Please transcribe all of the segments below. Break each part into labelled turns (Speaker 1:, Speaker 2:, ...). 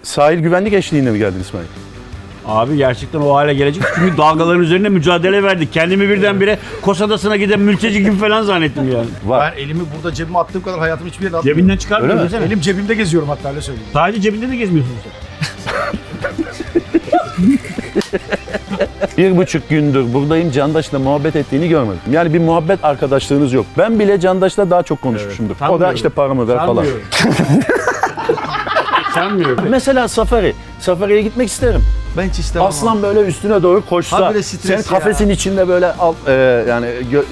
Speaker 1: Sahil güvenlik eşliğinde mi geldin İsmail?
Speaker 2: Abi gerçekten o hale gelecek. Çünkü dalgaların üzerine mücadele verdik. Kendimi birdenbire Kos Adası'na giden mülteci gibi falan zannettim yani.
Speaker 1: Var.
Speaker 3: Ben elimi burada cebime attığım kadar hayatım hiçbir yere atmıyorum.
Speaker 2: Cebinden çıkarmıyor
Speaker 1: Öyle mi?
Speaker 2: desene.
Speaker 3: Elim cebimde geziyorum hatta öyle söyleyeyim.
Speaker 2: Sadece cebinde de gezmiyorsun sen.
Speaker 1: 1,5 gündür buradayım, Candaş'la muhabbet ettiğini görmedim. Yani bir muhabbet arkadaşlığınız yok. Ben bile Candaş'la daha çok konuşmuşumdur. O da
Speaker 2: sanmıyorum.
Speaker 1: işte paramı ver falan.
Speaker 2: Sanmıyorum. Sanmıyorum.
Speaker 1: Mesela safari. Safari'ye gitmek isterim.
Speaker 3: Ben hiç istemem.
Speaker 1: Aslan böyle üstüne doğru koşsa,
Speaker 3: Habire stres
Speaker 1: senin kafesin içinde böyle yani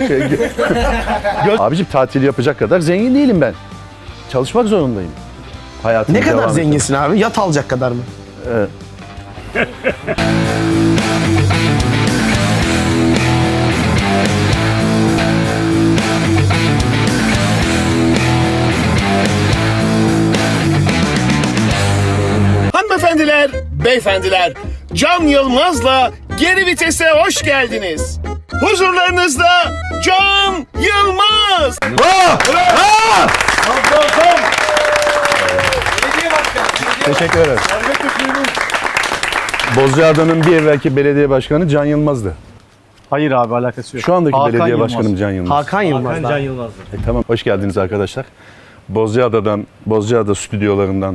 Speaker 1: Abicim tatil yapacak kadar zengin değilim ben. Çalışmak zorundayım. Hayatım
Speaker 4: Ne kadar zenginsin abi? Yat alacak kadar mı?
Speaker 5: Hanımefendiler, beyefendiler, Can Yılmaz'la Geri Vites'e hoş geldiniz. Huzurlarınızda Can Yılmaz.
Speaker 1: Teşekkür ederim. Bozcaada'nın bir evvelki belediye başkanı Can Yılmaz'dı.
Speaker 6: Hayır abi alakası yok.
Speaker 1: Şu andaki
Speaker 6: Hakan
Speaker 1: belediye
Speaker 6: Yılmaz.
Speaker 1: başkanım Can Yılmaz.
Speaker 4: Hakan Yılmaz.
Speaker 2: Can Yılmaz.
Speaker 1: Tamam, hoş geldiniz arkadaşlar. Bozcaada stüdyolarından.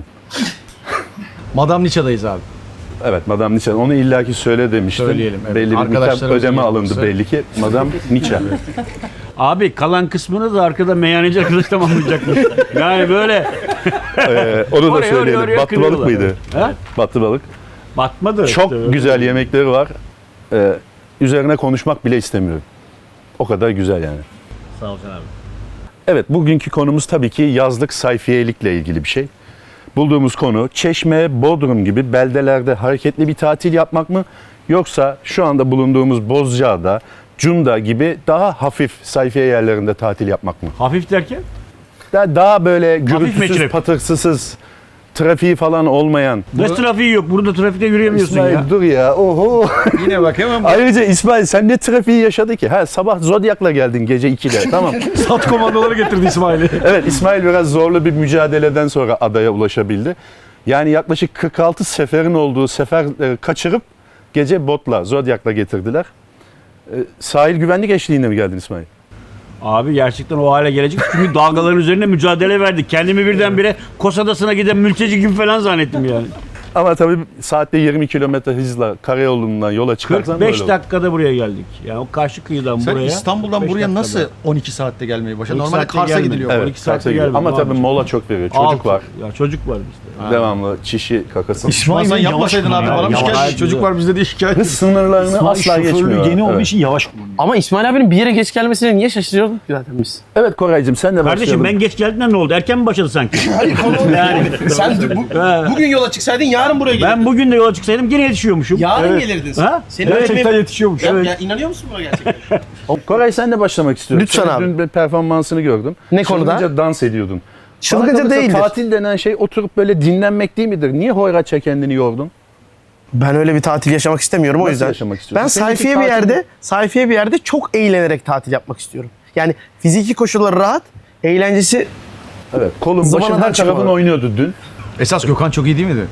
Speaker 3: Madame Niça'dayız abi.
Speaker 1: Evet, Madame Nietzsche. Onu illaki söyle demiştim.
Speaker 3: Söyleyelim, evet.
Speaker 1: Belli bir miktar
Speaker 3: Arkadaşlarımızın
Speaker 1: ödeme alındı
Speaker 3: yanılgısı.
Speaker 1: belli ki. Madame Nietzsche.
Speaker 2: Abi kalan kısmını da arkada meyhaneci arkadaş tamamlayacakmış. Yani böyle
Speaker 1: Onu da
Speaker 2: Oraya,
Speaker 1: söyleyelim.
Speaker 2: oraya
Speaker 1: Battı balık
Speaker 2: kırıyorlar.
Speaker 1: mıydı?
Speaker 2: Ha?
Speaker 1: Battı balık.
Speaker 2: batmadı.
Speaker 1: Çok
Speaker 2: işte.
Speaker 1: güzel yemekleri var. Üzerine konuşmak bile istemiyorum. O kadar güzel yani.
Speaker 2: Sağ ol sen abi.
Speaker 1: Evet, bugünkü konumuz tabii ki yazlık sayfiyelikle ilgili bir şey. Bulduğumuz konu Çeşme, Bodrum gibi beldelerde hareketli bir tatil yapmak mı? Yoksa şu anda bulunduğumuz Bozcaada, Cunda gibi daha hafif sayfiye yerlerinde tatil yapmak mı?
Speaker 2: Hafif derken?
Speaker 1: Daha böyle gürültüsüz,
Speaker 2: meçhul.
Speaker 1: patırsız, trafiği falan olmayan.
Speaker 2: Nasıl trafiği yok? Burada trafikte yürüyemiyorsun
Speaker 1: İsmail
Speaker 2: ya.
Speaker 1: dur ya, oho.
Speaker 3: Yine bak hemen
Speaker 1: Ayrıca İsmail sen ne trafiği yaşadı ki? Ha, sabah Zodyak'la geldin gece 2'de, tamam.
Speaker 3: sat komandoları getirdi İsmail'i.
Speaker 1: Evet, İsmail biraz zorlu bir mücadeleden sonra adaya ulaşabildi. Yani yaklaşık 46 seferin olduğu sefer kaçırıp gece botla, Zodyak'la getirdiler. Sahil güvenlik eşliğinde mi geldin İsmail?
Speaker 2: Abi gerçekten o hale gelecek. Çünkü dalgaların üzerine mücadele verdik. Kendimi birdenbire Kos Adası'na giden mülteci gibi falan zannettim yani.
Speaker 1: Ama tabii saatte 20 kilometre hızla karayolundan yola çıkarsan
Speaker 2: 45
Speaker 1: böyle olur.
Speaker 2: dakikada buraya geldik. Yani o karşı kıyıdan
Speaker 3: Sen
Speaker 2: buraya.
Speaker 3: İstanbul'dan
Speaker 2: 45
Speaker 3: buraya
Speaker 2: dakikada.
Speaker 3: nasıl 12 saatte gelmeyi başardın?
Speaker 2: 12
Speaker 3: Normalde
Speaker 2: saatte
Speaker 3: Kars'a
Speaker 2: gelmedim.
Speaker 3: gidiliyor.
Speaker 1: Evet,
Speaker 2: 12 saatte
Speaker 1: Kars'a gidiyor.
Speaker 2: gelmedim
Speaker 1: Ama tabii
Speaker 2: abi.
Speaker 1: mola çok veriyor. Çocuk
Speaker 2: Altı.
Speaker 1: var.
Speaker 2: Ya çocuk var bizde.
Speaker 1: Devamlı çişi, kakası.
Speaker 3: İsmail sen yapmasaydın abi bana mı
Speaker 2: Yavaş.
Speaker 3: şikayet? Çocuk var bizde diye şikayet.
Speaker 1: Hız sınırlarını
Speaker 6: İsmail
Speaker 1: asla
Speaker 6: şoförlüğü
Speaker 1: geçmiyor.
Speaker 6: yeni olduğu
Speaker 1: Evet.
Speaker 6: için yavaş kullanıyor.
Speaker 4: Ama İsmail abinin bir yere geç gelmesine niye şaşırıyorduk ki zaten biz?
Speaker 1: Evet Koraycığım sen de
Speaker 2: Kardeşim
Speaker 1: başlayalım.
Speaker 2: ben geç geldiğimden ne oldu? Erken mi başladı sanki? yani.
Speaker 4: Sen bugün yola çıksaydın yarın buraya gelirdin.
Speaker 2: Ben bugün de yola çıksaydım gene yetişiyormuşum.
Speaker 4: Yarın gelirdin sen.
Speaker 2: Ha?
Speaker 4: Senin
Speaker 2: Gerçekten
Speaker 4: ölçme-
Speaker 2: yetişiyormuş.
Speaker 4: Ya,
Speaker 2: Evet.
Speaker 4: ya inanıyor musun buna gerçekten?
Speaker 1: Koray sen de başlamak istiyorum.
Speaker 4: Lütfen
Speaker 1: Senin
Speaker 4: abi.
Speaker 1: Dün bir performansını gördüm.
Speaker 4: Ne konuda?
Speaker 1: Çılgınca dans ediyordun.
Speaker 4: Çılgınca
Speaker 1: Bana kalırsa
Speaker 4: değildir.
Speaker 1: Tatil denen şey oturup böyle dinlenmek değil midir? Niye hoyratça kendini yordun?
Speaker 4: Ben öyle bir tatil yaşamak istemiyorum o
Speaker 1: Nasıl
Speaker 4: yüzden.
Speaker 1: yaşamak istiyorsun?
Speaker 4: Ben
Speaker 1: Senin için
Speaker 4: sayfiye bir yerde çok eğlenerek tatil yapmak istiyorum. Yani fiziki koşulları rahat, eğlencesi
Speaker 1: Evet. Kolun başın
Speaker 4: Zamanadan
Speaker 1: her tarafın
Speaker 4: çıkmadı.
Speaker 1: oynuyordu dün.
Speaker 3: Esas Gökhan çok iyi değil miydi?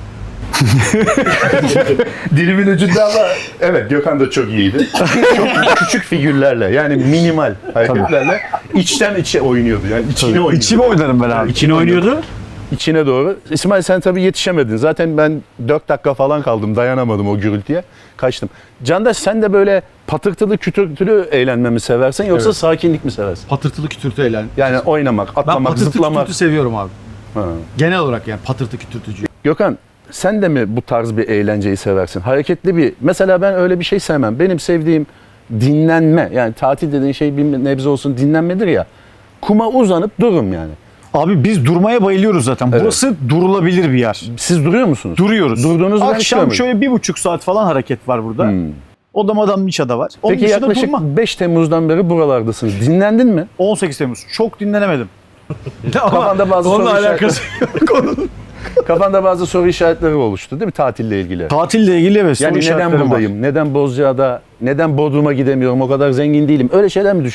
Speaker 1: Dilimin ucunda ama evet Gökhan da çok iyiydi. Çok küçük figürlerle yani minimal hareketlerle içten içe oynuyordu. Yani içine oynuyordu.
Speaker 6: İçime oynarım ben abi.
Speaker 2: İçine oynuyordu.
Speaker 1: İçine doğru. İsmail sen tabii yetişemedin. Zaten ben 4 dakika falan kaldım. Dayanamadım o gürültüye. Kaçtım. Candaş sen de böyle patırtılı kütürtülü eğlenme mi seversin yoksa
Speaker 3: Evet.
Speaker 1: sakinlik mi seversin?
Speaker 3: Patırtılı kütürtü eğlen.
Speaker 1: Yani oynamak,
Speaker 3: Ben
Speaker 1: atlamak,
Speaker 3: patırtı
Speaker 1: zıplamak.
Speaker 3: kütürtü seviyorum abi.
Speaker 1: Ha.
Speaker 3: Genel olarak yani patırtı kütürtücü.
Speaker 1: Gökhan sen de mi bu tarz bir eğlenceyi seversin? Hareketli bir... Mesela ben öyle bir şey sevmem. Benim sevdiğim dinlenme. Yani tatil dediğin şey bir nebze olsun dinlenmedir ya. Kuma uzanıp dururum yani.
Speaker 6: Abi biz durmaya bayılıyoruz zaten.
Speaker 1: Evet.
Speaker 6: Burası durulabilir bir yer.
Speaker 1: Siz duruyor musunuz?
Speaker 6: Duruyoruz.
Speaker 1: Durduğunuz ben hiç
Speaker 6: Akşam
Speaker 1: görmedim.
Speaker 6: şöyle 1,5 saat falan hareket var burada. O da Madame Niça'da var. Onun
Speaker 1: Peki
Speaker 6: dışında
Speaker 1: yaklaşık
Speaker 6: durma.
Speaker 1: 5 Temmuz'dan beri buralardasınız. Dinlendin mi?
Speaker 6: 18 Temmuz. Çok dinlenemedim.
Speaker 1: Kafanda bazı
Speaker 3: Onunla
Speaker 1: soru
Speaker 3: alakası
Speaker 1: işaretleri. Kafanda bazı soru işaretleri oluştu değil mi tatille ilgili?
Speaker 6: Tatille ilgili evet soru
Speaker 1: Yani neden
Speaker 6: işaretlerim var.
Speaker 1: buradayım? Neden Bozcaada? Neden Bodrum'a gidemiyorum? O kadar zengin değilim. Öyle şeyler mi düşündün?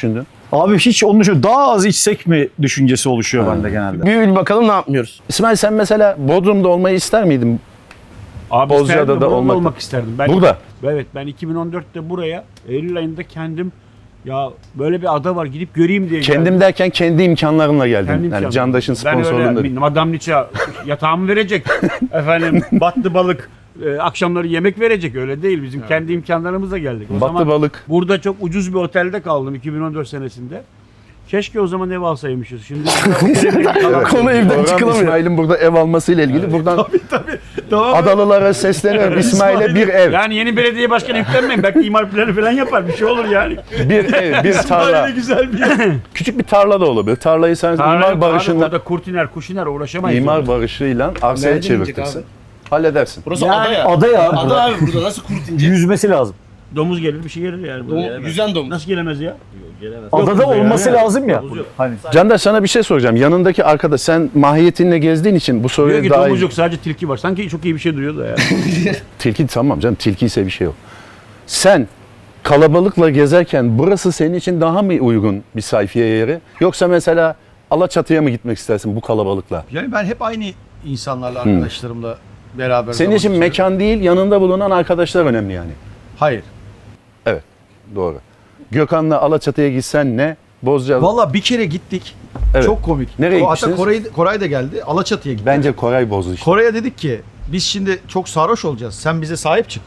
Speaker 6: Abi hiç onu düşün. Daha az içsek mi düşüncesi oluşuyor bende genelde.
Speaker 4: Bir bakalım ne yapmıyoruz.
Speaker 1: İsmail sen mesela Bodrum'da olmayı ister miydin?
Speaker 2: Abi
Speaker 1: Bozcaada'da
Speaker 2: isterdim de burada
Speaker 1: olmak-
Speaker 2: olmak isterdim. Ben,
Speaker 1: Burada.
Speaker 2: Evet, ben 2014'te buraya Eylül ayında kendim ya böyle bir ada var gidip göreyim diye
Speaker 1: Kendim
Speaker 2: geldim.
Speaker 1: derken kendi imkanlarınla geldin.
Speaker 2: Kendim
Speaker 1: Yani
Speaker 2: çaldım.
Speaker 1: Candaş'ın
Speaker 2: Ben
Speaker 1: sponsorluğunda.
Speaker 2: öyle Madame Nietzsche yatağımı verecek. Efendim battı balık akşamları yemek verecek, öyle değil. Bizim kendi imkanlarımızla geldik. O
Speaker 1: Battı
Speaker 2: zaman
Speaker 1: balık.
Speaker 2: burada çok ucuz bir otelde kaldım 2014 senesinde. Keşke o zaman ev alsaymışız. Şimdi
Speaker 4: Konu evden
Speaker 1: Program
Speaker 4: çıkılamıyor.
Speaker 1: İsmail'in burada ev almasıyla ilgili buradan
Speaker 3: Tamam.
Speaker 1: Adalılara sesleniyorum. İsmail'e bir ev,
Speaker 2: yani yeni belediye başkanı yüklenmeyin. Belki imar planı falan yapar. Bir şey olur yani.
Speaker 1: bir ev, bir tarla.
Speaker 3: güzel bir
Speaker 1: Küçük bir tarla da olabilir. Tarlayı sen imar barışında,
Speaker 2: Orada kurtiner, kuşiner uğraşamayız.
Speaker 1: imar
Speaker 2: orada.
Speaker 1: barışıyla arsaya
Speaker 4: Nereden inecek
Speaker 1: çevirtirsin.
Speaker 4: abi?
Speaker 1: Halledersin.
Speaker 4: Burası
Speaker 2: Yani-
Speaker 4: ada ya.
Speaker 6: Ada ya.
Speaker 4: Ada abi burada nasıl kurt ince?
Speaker 6: Yüzmesi lazım.
Speaker 2: Domuz gelir, bir şey gelir yani. buraya.
Speaker 4: Yüzen domuz.
Speaker 2: Nasıl gelemez ya?
Speaker 6: Adada
Speaker 2: burada ya.
Speaker 6: olması lazım ya.
Speaker 2: Domuz yok.
Speaker 6: Hani
Speaker 1: Candaş sana bir şey soracağım. Yanındaki arkadaş sen mahiyetinle gezdiğin için bu
Speaker 2: Diyor
Speaker 1: soruya
Speaker 2: ki
Speaker 1: daha
Speaker 2: domuz
Speaker 1: iyi.
Speaker 2: yok, sadece tilki var. Sanki çok iyi bir şey duyuyor da ya.
Speaker 1: Tilki tamam canım. Tilki ise bir şey yok. Sen kalabalıkla gezerken burası senin için daha mı uygun bir sayfiye yeri? Yoksa mesela Alaçatı'ya mı gitmek istersin bu kalabalıkla?
Speaker 3: Yani ben hep aynı insanlarla, arkadaşlarımla beraber
Speaker 1: Senin
Speaker 3: zaman
Speaker 1: için
Speaker 3: geçiriyorum.
Speaker 1: mekan değil, yanında bulunan arkadaşlar önemli yani.
Speaker 3: Hayır.
Speaker 1: Evet, doğru. Gökhan'la Alaçatı'ya gitsen ne? Bozcaada.
Speaker 3: Valla bir kere gittik.
Speaker 1: Evet.
Speaker 3: Çok komik.
Speaker 1: Nereye
Speaker 3: Hatta
Speaker 1: gitmişsiniz?
Speaker 3: Koray da geldi. Alaçatı'ya gittik.
Speaker 1: Bence Koray bozdu işte.
Speaker 3: Kore'ye dedik ki biz şimdi çok sarhoş olacağız. Sen bize sahip çık.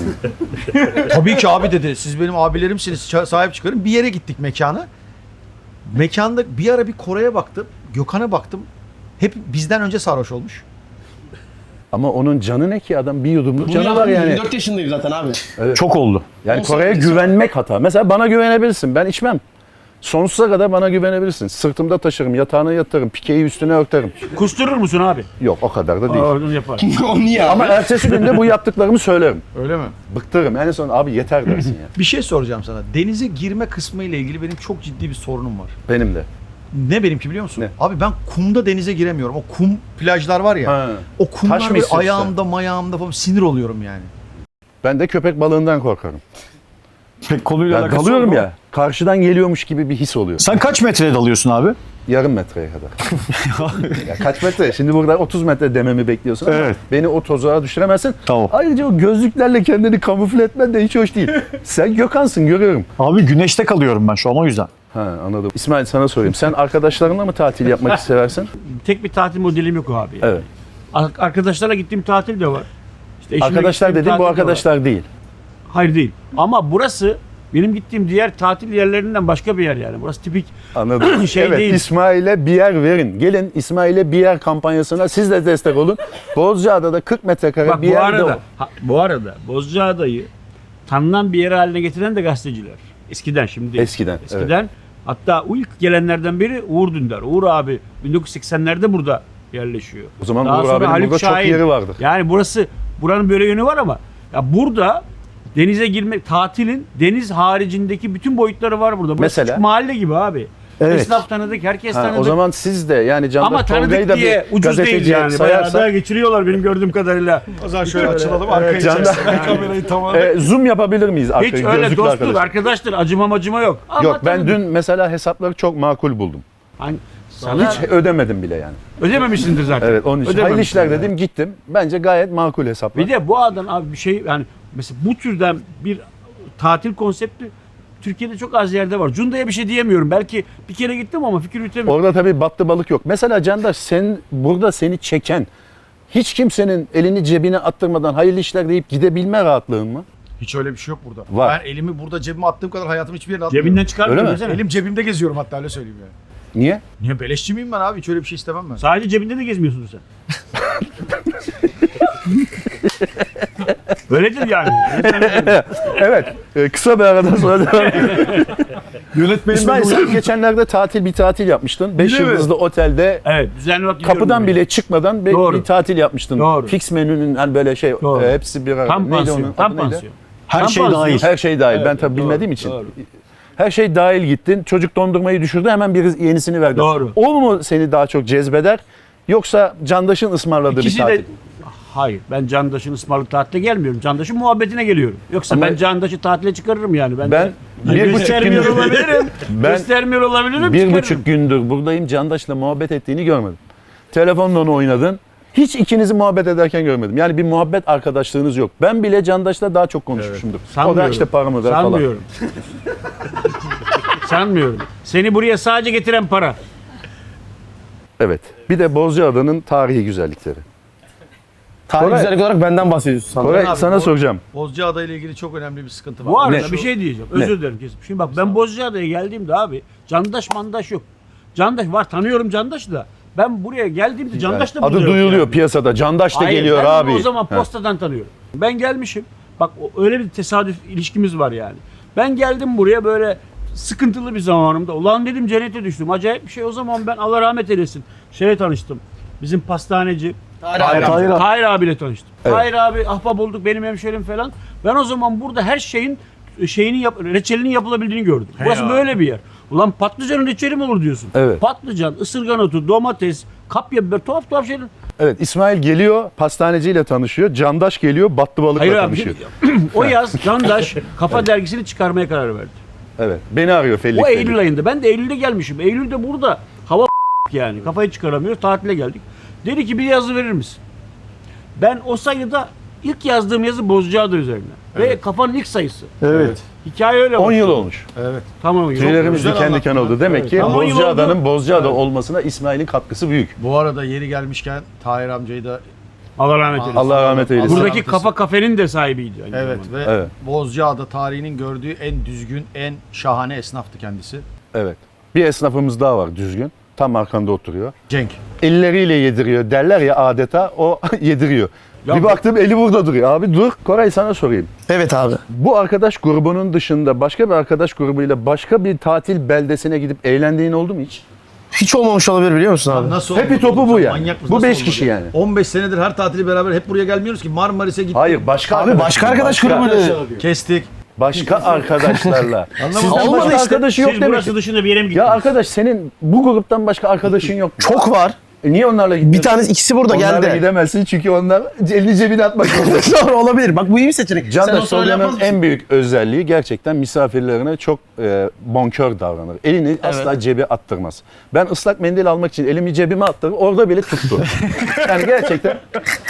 Speaker 3: Tabii ki abi dedi. Siz benim abilerimsiniz. Sahip çıkarın. Bir yere gittik mekana. Mekanda bir ara bir Kore'ye baktım. Gökhan'a baktım. Hep bizden önce sarhoş olmuş.
Speaker 1: Ama onun canı ne ki adam bir yudumluk
Speaker 4: Bunu
Speaker 1: canı var
Speaker 4: yaptım,
Speaker 1: yani.
Speaker 4: 24 yaşındayım zaten abi.
Speaker 6: çok oldu.
Speaker 1: Yani
Speaker 4: 18
Speaker 1: Kore'ye güvenmek hata. Mesela bana güvenebilirsin. Ben içmem. Sonsuza kadar bana güvenebilirsin. Sırtımda taşırım, yatağına yatırım, pikeyi üstüne örterim.
Speaker 2: Kusturur musun abi?
Speaker 1: Yok o kadar da değil.
Speaker 2: Onu yapar.
Speaker 4: O niye abi?
Speaker 1: Ama ertesi günde bu yaptıklarımı söylerim.
Speaker 3: Öyle mi?
Speaker 1: Bıktırırım. En son abi yeter dersin ya.
Speaker 3: Bir şey soracağım sana. Denize girme kısmı ile ilgili benim çok ciddi bir sorunum var.
Speaker 1: Benim de.
Speaker 3: Ne benimki biliyor musun?
Speaker 1: Ne?
Speaker 3: Abi ben kumda denize giremiyorum. O kum plajlar var ya.
Speaker 1: Ha.
Speaker 3: O kumlar
Speaker 1: Taş mı
Speaker 3: böyle
Speaker 1: istiyorsun?
Speaker 3: ayağımda mayağımda falan sinir oluyorum yani.
Speaker 1: Ben de köpek balığından korkarım.
Speaker 6: Pek konuyla
Speaker 1: Ben
Speaker 6: alakası
Speaker 1: dalıyorum
Speaker 6: yok mu?
Speaker 1: ya. Karşıdan geliyormuş gibi bir his oluyor.
Speaker 6: Sen kaç metreye dalıyorsun abi?
Speaker 1: Yarım metreye kadar. Ya kaç metre? Şimdi burada 30 metre dememi bekliyorsun ama
Speaker 6: Evet.
Speaker 1: beni o tozağa düşüremezsin.
Speaker 6: Tamam.
Speaker 1: Ayrıca o gözlüklerle kendini kamufle etmen de hiç hoş değil. Sen Gökhan'sın görüyorum.
Speaker 6: Abi güneşte kalıyorum ben şu an o yüzden.
Speaker 1: Ha anladım. İsmail sana sorayım. Sen arkadaşlarınla mı tatil yapmak seversin?
Speaker 2: Tek bir tatil modelim yok abi.
Speaker 1: Evet.
Speaker 2: Arkadaşlarla gittiğim tatil de var. İşte eşimle
Speaker 1: Arkadaşlar
Speaker 2: gittiğim
Speaker 1: dediğim bu
Speaker 2: tatil de var.
Speaker 1: arkadaşlar değil.
Speaker 2: Hayır değil. Ama burası benim gittiğim diğer tatil yerlerinden başka bir yer yani. Burası tipik
Speaker 1: Anladım.
Speaker 2: Şey
Speaker 1: evet
Speaker 2: değil.
Speaker 1: İsmail'e bir yer verin. Gelin İsmail'e bir yer kampanyasına siz de destek olun. Bozcaada'da 40 metrekare
Speaker 2: Bak
Speaker 1: bir
Speaker 2: bu
Speaker 1: yerde
Speaker 2: arada, bu arada Bozcaada'yı tanınan bir yer haline getiren de gazeteciler. Eskiden, şimdi değil.
Speaker 1: Eskiden,
Speaker 2: Eskiden. Hatta ilk gelenlerden biri Uğur Dündar. Uğur abi 1980'lerde burada yerleşiyor.
Speaker 1: O zaman
Speaker 2: Daha
Speaker 1: Uğur
Speaker 2: sonra
Speaker 1: abinin
Speaker 2: Haluk
Speaker 1: burada çok
Speaker 2: Şahin.
Speaker 1: yeri vardır.
Speaker 2: Yani buranın böyle yönü var ama ya burada denize girmek, tatilin deniz haricindeki bütün boyutları var burada. Burası
Speaker 1: Mesela?
Speaker 2: küçük mahalle gibi abi.
Speaker 6: Evet.
Speaker 2: Esnaf tanıdık, herkes
Speaker 1: Ha,
Speaker 2: tanıdık.
Speaker 1: o zaman siz de yani
Speaker 2: ama
Speaker 1: Candaş Tolga'yı
Speaker 2: tanıdık
Speaker 1: da
Speaker 2: diye
Speaker 1: bir
Speaker 2: ucuz değil
Speaker 1: gazeteciye
Speaker 2: yani. Bayağı da
Speaker 1: sayarsak
Speaker 2: geçiriyorlar benim gördüğüm kadarıyla.
Speaker 3: O zaman şöyle açılalım.
Speaker 2: arkayı
Speaker 3: kamerayı tamamen.
Speaker 1: zoom yapabilir miyiz?
Speaker 2: Hiç
Speaker 1: Arkaya,
Speaker 2: öyle
Speaker 1: gözlüklü
Speaker 2: dostluk,
Speaker 1: arkadaş.
Speaker 2: arkadaştır. Acıma yok. Ama
Speaker 1: Yok ben
Speaker 2: tanıdık.
Speaker 1: dün mesela hesapları çok makul buldum.
Speaker 2: Hani sana
Speaker 1: Hiç ödemedim bile yani.
Speaker 2: ödememişsindir zaten.
Speaker 1: Evet onun için. Hayırlı
Speaker 2: Ödememişsin
Speaker 1: işler
Speaker 2: yani.
Speaker 1: dedim gittim. Bence gayet makul hesaplar.
Speaker 2: Bir de bu adam abi bir şey yani mesela bu türden bir tatil konsepti Türkiye'de çok az yerde var. Cunda'ya bir şey diyemiyorum. Belki bir kere gittim ama fikir yürütemiyorum.
Speaker 1: Orada tabii battı balık yok. Mesela Candaş sen burada seni çeken hiç kimsenin elini cebine attırmadan hayırlı işler deyip gidebilme rahatlığın mı?
Speaker 3: Hiç öyle bir şey yok burada.
Speaker 1: Var.
Speaker 3: Ben elimi burada cebime attığım kadar hayatımı hiçbir yerine atmıyorum.
Speaker 2: Cebinden çıkarmıyor
Speaker 1: Öyle mi?
Speaker 2: desene.
Speaker 3: Elim cebimde geziyorum hatta öyle söyleyeyim yani.
Speaker 1: Niye?
Speaker 3: Niye beleşçi miyim ben abi? Hiç öyle bir şey istemem ben.
Speaker 2: Sadece cebinde de gezmiyorsun sen. Öyledir yani.
Speaker 1: Evet. Kısa bir aradan sonra devam edelim.
Speaker 6: Yönetmenim
Speaker 1: İsmail sen geçenlerde bir tatil yapmıştın. 5
Speaker 3: Öyle mi?
Speaker 1: yıldızlı otelde
Speaker 2: Evet, düzenli olarak gidiyorum
Speaker 1: kapıdan
Speaker 2: buraya.
Speaker 1: bile çıkmadan
Speaker 2: Doğru.
Speaker 1: bir tatil yapmıştın.
Speaker 2: Doğru.
Speaker 1: Fix menünün hani böyle
Speaker 2: Doğru.
Speaker 1: hepsi bir arada.
Speaker 2: Tam
Speaker 1: Neydi
Speaker 2: pansiyon.
Speaker 1: onun
Speaker 2: Tam
Speaker 1: adı neydi?
Speaker 2: pansiyon.
Speaker 6: her
Speaker 2: Tam
Speaker 6: şey
Speaker 2: pansiyon.
Speaker 6: dahil.
Speaker 1: Her şey dahil. Ben
Speaker 2: Evet,
Speaker 1: tabii
Speaker 2: doğru,
Speaker 1: bilmediğim için.
Speaker 2: doğru.
Speaker 1: Her şey dahil gittin. Çocuk dondurmayı düşürdü. Hemen bir yenisini verdi.
Speaker 2: Doğru.
Speaker 1: O mu seni daha çok cezbeder? Yoksa Candaş'ın ısmarladığı
Speaker 2: İkisi
Speaker 1: bir tatil?
Speaker 2: de hayır. Ben Candaş'ın ısmarlı tatile gelmiyorum. Candaş'ın muhabbetine geliyorum. Yoksa
Speaker 1: Ama-
Speaker 2: ben Candaş'ı tatile çıkarırım yani.
Speaker 1: Ben
Speaker 2: Göstermiyor olabilirim.
Speaker 1: Ben
Speaker 2: Göstermiyor olabilirim.
Speaker 1: 1,5
Speaker 2: çıkarım.
Speaker 1: gündür buradayım. Candaş'la muhabbet ettiğini görmedim. Telefonla onu oynadın. Hiç ikinizi muhabbet ederken görmedim. Yani bir muhabbet arkadaşlığınız yok. Ben bile Candaş'la daha çok konuşmuşumdur. O da
Speaker 2: Sanmıyorum.
Speaker 1: işte paramı ver falan.
Speaker 2: Sanmıyorum. Sanmıyorum. Seni buraya sadece getiren para.
Speaker 1: Evet. Bir de Bozcaada'nın tarihi güzellikleri.
Speaker 4: Tarih
Speaker 1: Koray-
Speaker 4: güzellik olarak benden bahsediyorsun sanırım.
Speaker 1: Koray
Speaker 3: abi,
Speaker 1: sana
Speaker 3: bu-
Speaker 1: soracağım.
Speaker 3: Bozcaada ile ilgili çok önemli bir sıkıntı var.
Speaker 2: Bu arada
Speaker 1: Ne?
Speaker 2: bir şey diyeceğim. Özür dilerim kesin. Şimdi bak ben Bozcaada'ya geldiğimde abi Candaş mandaş yok. Candaş var, tanıyorum Candaş'ı da. Ben buraya geldiğimde Candaş da burada
Speaker 1: Adı
Speaker 2: yok
Speaker 1: duyuluyor
Speaker 2: yani.
Speaker 1: piyasada. Candaş da
Speaker 2: Hayır,
Speaker 1: geliyor
Speaker 2: ben onu
Speaker 1: abi.
Speaker 2: o zaman
Speaker 1: Ha.
Speaker 2: postadan tanıyorum. Ben gelmişim. Bak öyle bir tesadüf ilişkimiz var yani. Ben geldim buraya böyle sıkıntılı bir zamanımda. Ulan dedim cennete düştüm. Acayip bir şey. O zaman ben Allah rahmet eylesin. Şeyle tanıştım. Bizim pastaneci Tahir abiyle tanıştım.
Speaker 1: Evet.
Speaker 2: Tahir abi ahbap olduk, benim hemşerim falan. Ben o zaman burada her şeyin reçelinin yapılabildiğini gördüm. Burası böyle bir yer. Ulan patlıcanın reçeli mi olur diyorsun.
Speaker 1: Evet.
Speaker 2: Patlıcan, ısırgan otu, domates, kapya biber, tuhaf şeyler.
Speaker 1: Evet, İsmail geliyor, pastaneciyle tanışıyor. Candaş geliyor, battı balıkla
Speaker 2: Hayır abi.
Speaker 1: tanışıyor.
Speaker 2: O yaz Candaş Kafa dergisini çıkarmaya karar verdi.
Speaker 1: Evet, beni arıyor Fellik.
Speaker 2: O Eylül ayında. Ben de Eylül'de gelmişim. Eylül'de burada hava yani. Kafayı çıkaramıyoruz. Tatile geldik. Dedi ki bir yazı verir misin? Ben o sayıda ilk yazdığım yazı Bozcaada üzerine. Ve kafanın ilk sayısı.
Speaker 6: Evet.
Speaker 2: Hikaye öyle
Speaker 1: 10
Speaker 2: oldu.
Speaker 1: yıl olmuş.
Speaker 3: Evet.
Speaker 2: Tamam.
Speaker 1: Tüylerimiz
Speaker 3: güzel
Speaker 1: diken diken oldu. Demek ki
Speaker 2: Ama 10 yıl
Speaker 1: Bozcaada'nın
Speaker 2: oldu.
Speaker 1: Bozcaada olmasına İsmail'in katkısı büyük.
Speaker 3: Bu arada yeri gelmişken Tahir amcayı da
Speaker 2: Allah rahmet eylesin.
Speaker 1: Allah rahmet eylesin.
Speaker 3: Allah
Speaker 2: Buradaki
Speaker 3: rahmet
Speaker 2: kafa kafenin de sahibiydi. aynı
Speaker 3: evet
Speaker 2: zamanda.
Speaker 3: ve
Speaker 1: Evet.
Speaker 3: Bozcaada tarihinin gördüğü en düzgün, en şahane esnaftı kendisi.
Speaker 1: Evet. Bir esnafımız daha var düzgün. Tam arkanda oturuyor.
Speaker 3: Cenk.
Speaker 1: Elleriyle yediriyor derler ya adeta o yediriyor.
Speaker 2: Ya
Speaker 1: bir
Speaker 2: bu-
Speaker 1: baktım eli burada duruyor. Abi dur Koray sana sorayım.
Speaker 4: Evet abi.
Speaker 1: Bu arkadaş grubunun dışında başka bir arkadaş grubuyla başka bir tatil beldesine gidip eğlendiğin oldu mu hiç?
Speaker 4: Hiç olmamış olabilir biliyor musun abi?
Speaker 3: Nasıl
Speaker 1: Happy
Speaker 3: olmadı
Speaker 1: topu
Speaker 3: oğlum?
Speaker 1: bu
Speaker 3: Sen
Speaker 1: yani.
Speaker 3: manyak mısın?
Speaker 1: Bu
Speaker 3: Nasıl
Speaker 1: 5
Speaker 3: olmadı?
Speaker 1: kişi yani.
Speaker 3: 15 senedir her tatili beraber hep buraya gelmiyoruz ki. Marmaris'e gittik.
Speaker 1: Hayır başka
Speaker 4: Abi başka arkadaş grubuyla.
Speaker 3: Kestik.
Speaker 1: Başka arkadaşlarla. Sizden
Speaker 4: Olmadı
Speaker 1: başka
Speaker 4: işte.
Speaker 1: arkadaşı yok
Speaker 2: Siz
Speaker 1: demek
Speaker 2: burası
Speaker 1: ki.
Speaker 2: dışında bir yere mi gittiniz?
Speaker 1: Ya arkadaş senin bu gruptan başka arkadaşın yok mu?
Speaker 4: Çok var.
Speaker 1: Niye onlarla gittin?
Speaker 4: Bir tanesi ikisi burada
Speaker 1: Onlarla
Speaker 4: geldi.
Speaker 1: gidemezsin çünkü onlar elini cebine atmak zorunda.
Speaker 4: Doğru olabilir. Bak bu iyi bir seçenek. Sen
Speaker 1: Candaş
Speaker 4: olsa öyle yapmaz
Speaker 1: Tolga'nın
Speaker 4: mısın?
Speaker 1: en büyük özelliği gerçekten misafirlerine çok bonkör davranır. Elini asla cebe attırmaz. Ben ıslak mendil almak için elimi cebime attırdım. Orada bile tuttu. Yani gerçekten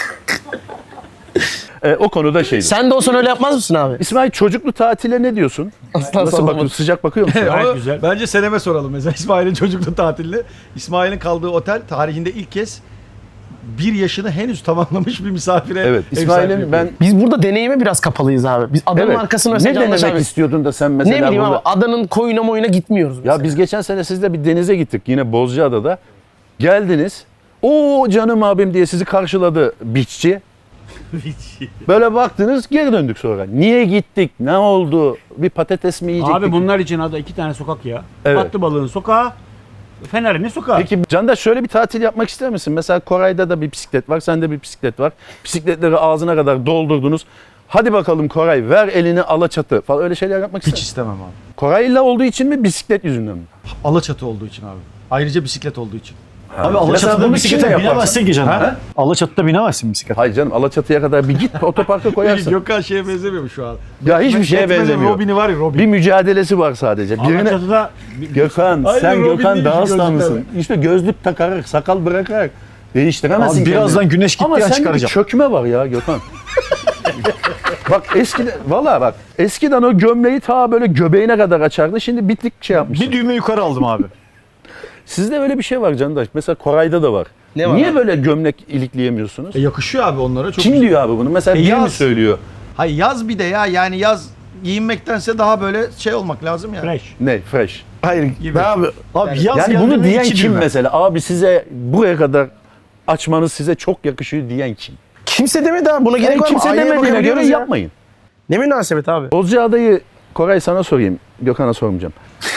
Speaker 1: o konuda şeydi.
Speaker 4: Sen de olsan öyle yapmaz mısın abi?
Speaker 1: İsmail çocuklu tatile ne diyorsun?
Speaker 4: Asla
Speaker 1: Nasıl
Speaker 4: sormadım.
Speaker 1: bakıyorsun? Sıcak bakıyor musun?
Speaker 2: Gayet
Speaker 3: Ama
Speaker 2: güzel.
Speaker 3: Bence Senem'e soralım mesela İsmail'in çocukluğu tatilini. İsmail'in kaldığı otel tarihinde ilk kez 1 yaşını henüz tamamlamış bir misafire
Speaker 1: Evet.
Speaker 3: ev sahipliği
Speaker 1: İsmail'in
Speaker 3: yapıyor.
Speaker 1: ben
Speaker 4: Biz burada deneyime biraz kapalıyız abi. Biz adanın
Speaker 1: evet.
Speaker 4: arkasını
Speaker 1: Ne
Speaker 4: mesela Candaş
Speaker 1: denemek
Speaker 4: abi.
Speaker 1: istiyordun da sen mesela
Speaker 4: Ne bileyim
Speaker 1: burada...
Speaker 4: abi adanın koyuna moyuna gitmiyoruz mesela.
Speaker 1: Ya biz geçen sene sizle bir denize gittik yine Bozcaada'da. Geldiniz. O canım abim diye sizi karşıladı beachçi. Böyle baktınız geri döndük sonra. Niye gittik? Ne oldu? Bir patates mi yiyecektik?
Speaker 2: Abi bunlar için ada 2 tane sokak ya.
Speaker 1: Evet.
Speaker 2: Battı balığın sokağı, Fener'in sokağı.
Speaker 1: Peki Candaş şöyle bir tatil yapmak ister misin? Mesela Koray'da da bir bisiklet var, sende bir bisiklet var. Bisikletleri ağzına kadar doldurdunuz. Hadi bakalım Koray ver elini Alaçatı falan öyle şeyler yapmak ister
Speaker 3: Hiç
Speaker 1: misin?
Speaker 3: istemem abi.
Speaker 1: Koray'la olduğu için mi bisiklet yüzünden mi?
Speaker 3: Alaçatı olduğu için abi. Ayrıca bisiklet olduğu için.
Speaker 6: Abi
Speaker 1: Mesela
Speaker 6: Alaçatı'da
Speaker 1: bunu
Speaker 6: bisiklete
Speaker 1: kimle yaparsın?
Speaker 6: binemezsin ki canım.
Speaker 1: Ha?
Speaker 6: Alaçatı'da binemezsin bisiklete.
Speaker 1: Hayır canım Alaçatı'ya kadar bir git otoparka koyarsın.
Speaker 3: Gökhan şeye benzemiyor mu şu an?
Speaker 1: Ya hiçbir şeye
Speaker 3: Batman'in
Speaker 1: benzemiyor.
Speaker 3: Robin'i var ya Robin.
Speaker 1: Bir mücadelesi var sadece. Birine...
Speaker 2: Alaçatı'da
Speaker 1: Gökhan
Speaker 3: Aynen,
Speaker 1: sen
Speaker 3: Robin
Speaker 1: Gökhan
Speaker 3: değil
Speaker 1: daha
Speaker 3: ki
Speaker 1: aslanlısın.
Speaker 3: gözlükler.
Speaker 1: İşte gözlük takarak, sakal bırakarak değiştiremezsin
Speaker 6: Abi birazdan
Speaker 1: kendini.
Speaker 6: güneş
Speaker 1: Ama
Speaker 6: gittiği an
Speaker 1: sende bir
Speaker 6: çıkaracağım.
Speaker 1: çökme var ya Gökhan. Bak eskiden, valla bak eskiden o gömleği ta böyle göbeğine kadar açardı. Şimdi bitlik şey yapmış.
Speaker 6: Bir düğme yukarı aldım abi.
Speaker 1: Sizde öyle bir şey var Candaş. Mesela Koray'da da var.
Speaker 4: Ne var
Speaker 1: Niye
Speaker 4: abi?
Speaker 1: böyle gömlek ilikleyemiyorsunuz?
Speaker 3: Yakışıyor abi onlara. Çok
Speaker 1: Kim diyor abi bunu? Mesela biri mi
Speaker 3: yaz.
Speaker 1: söylüyor?
Speaker 3: Hayır yaz bir de ya yani yaz giyinmektense daha böyle şey olmak lazım ya.
Speaker 2: fresh.
Speaker 1: Ne? Fresh.
Speaker 4: Hayır.
Speaker 3: Gibi.
Speaker 4: Abi
Speaker 6: Abi yaz
Speaker 1: Yani
Speaker 6: geldi
Speaker 1: bunu
Speaker 6: mi
Speaker 1: diyen
Speaker 6: 2
Speaker 1: kim
Speaker 6: düğme.
Speaker 1: mesela? Abi size buraya kadar açmanız size çok yakışıyor diyen kim?
Speaker 4: kimse demedi abi. Buna gerek
Speaker 1: Yani
Speaker 4: var mı?
Speaker 1: kimse
Speaker 4: Aynaya
Speaker 1: demediğine göre
Speaker 4: bakabiliyoruz ya.
Speaker 1: yapmayın.
Speaker 4: Ne münasebet abi.
Speaker 1: Bozcaada'yı Koray sana sorayım. Gökhan'a sormayacağım.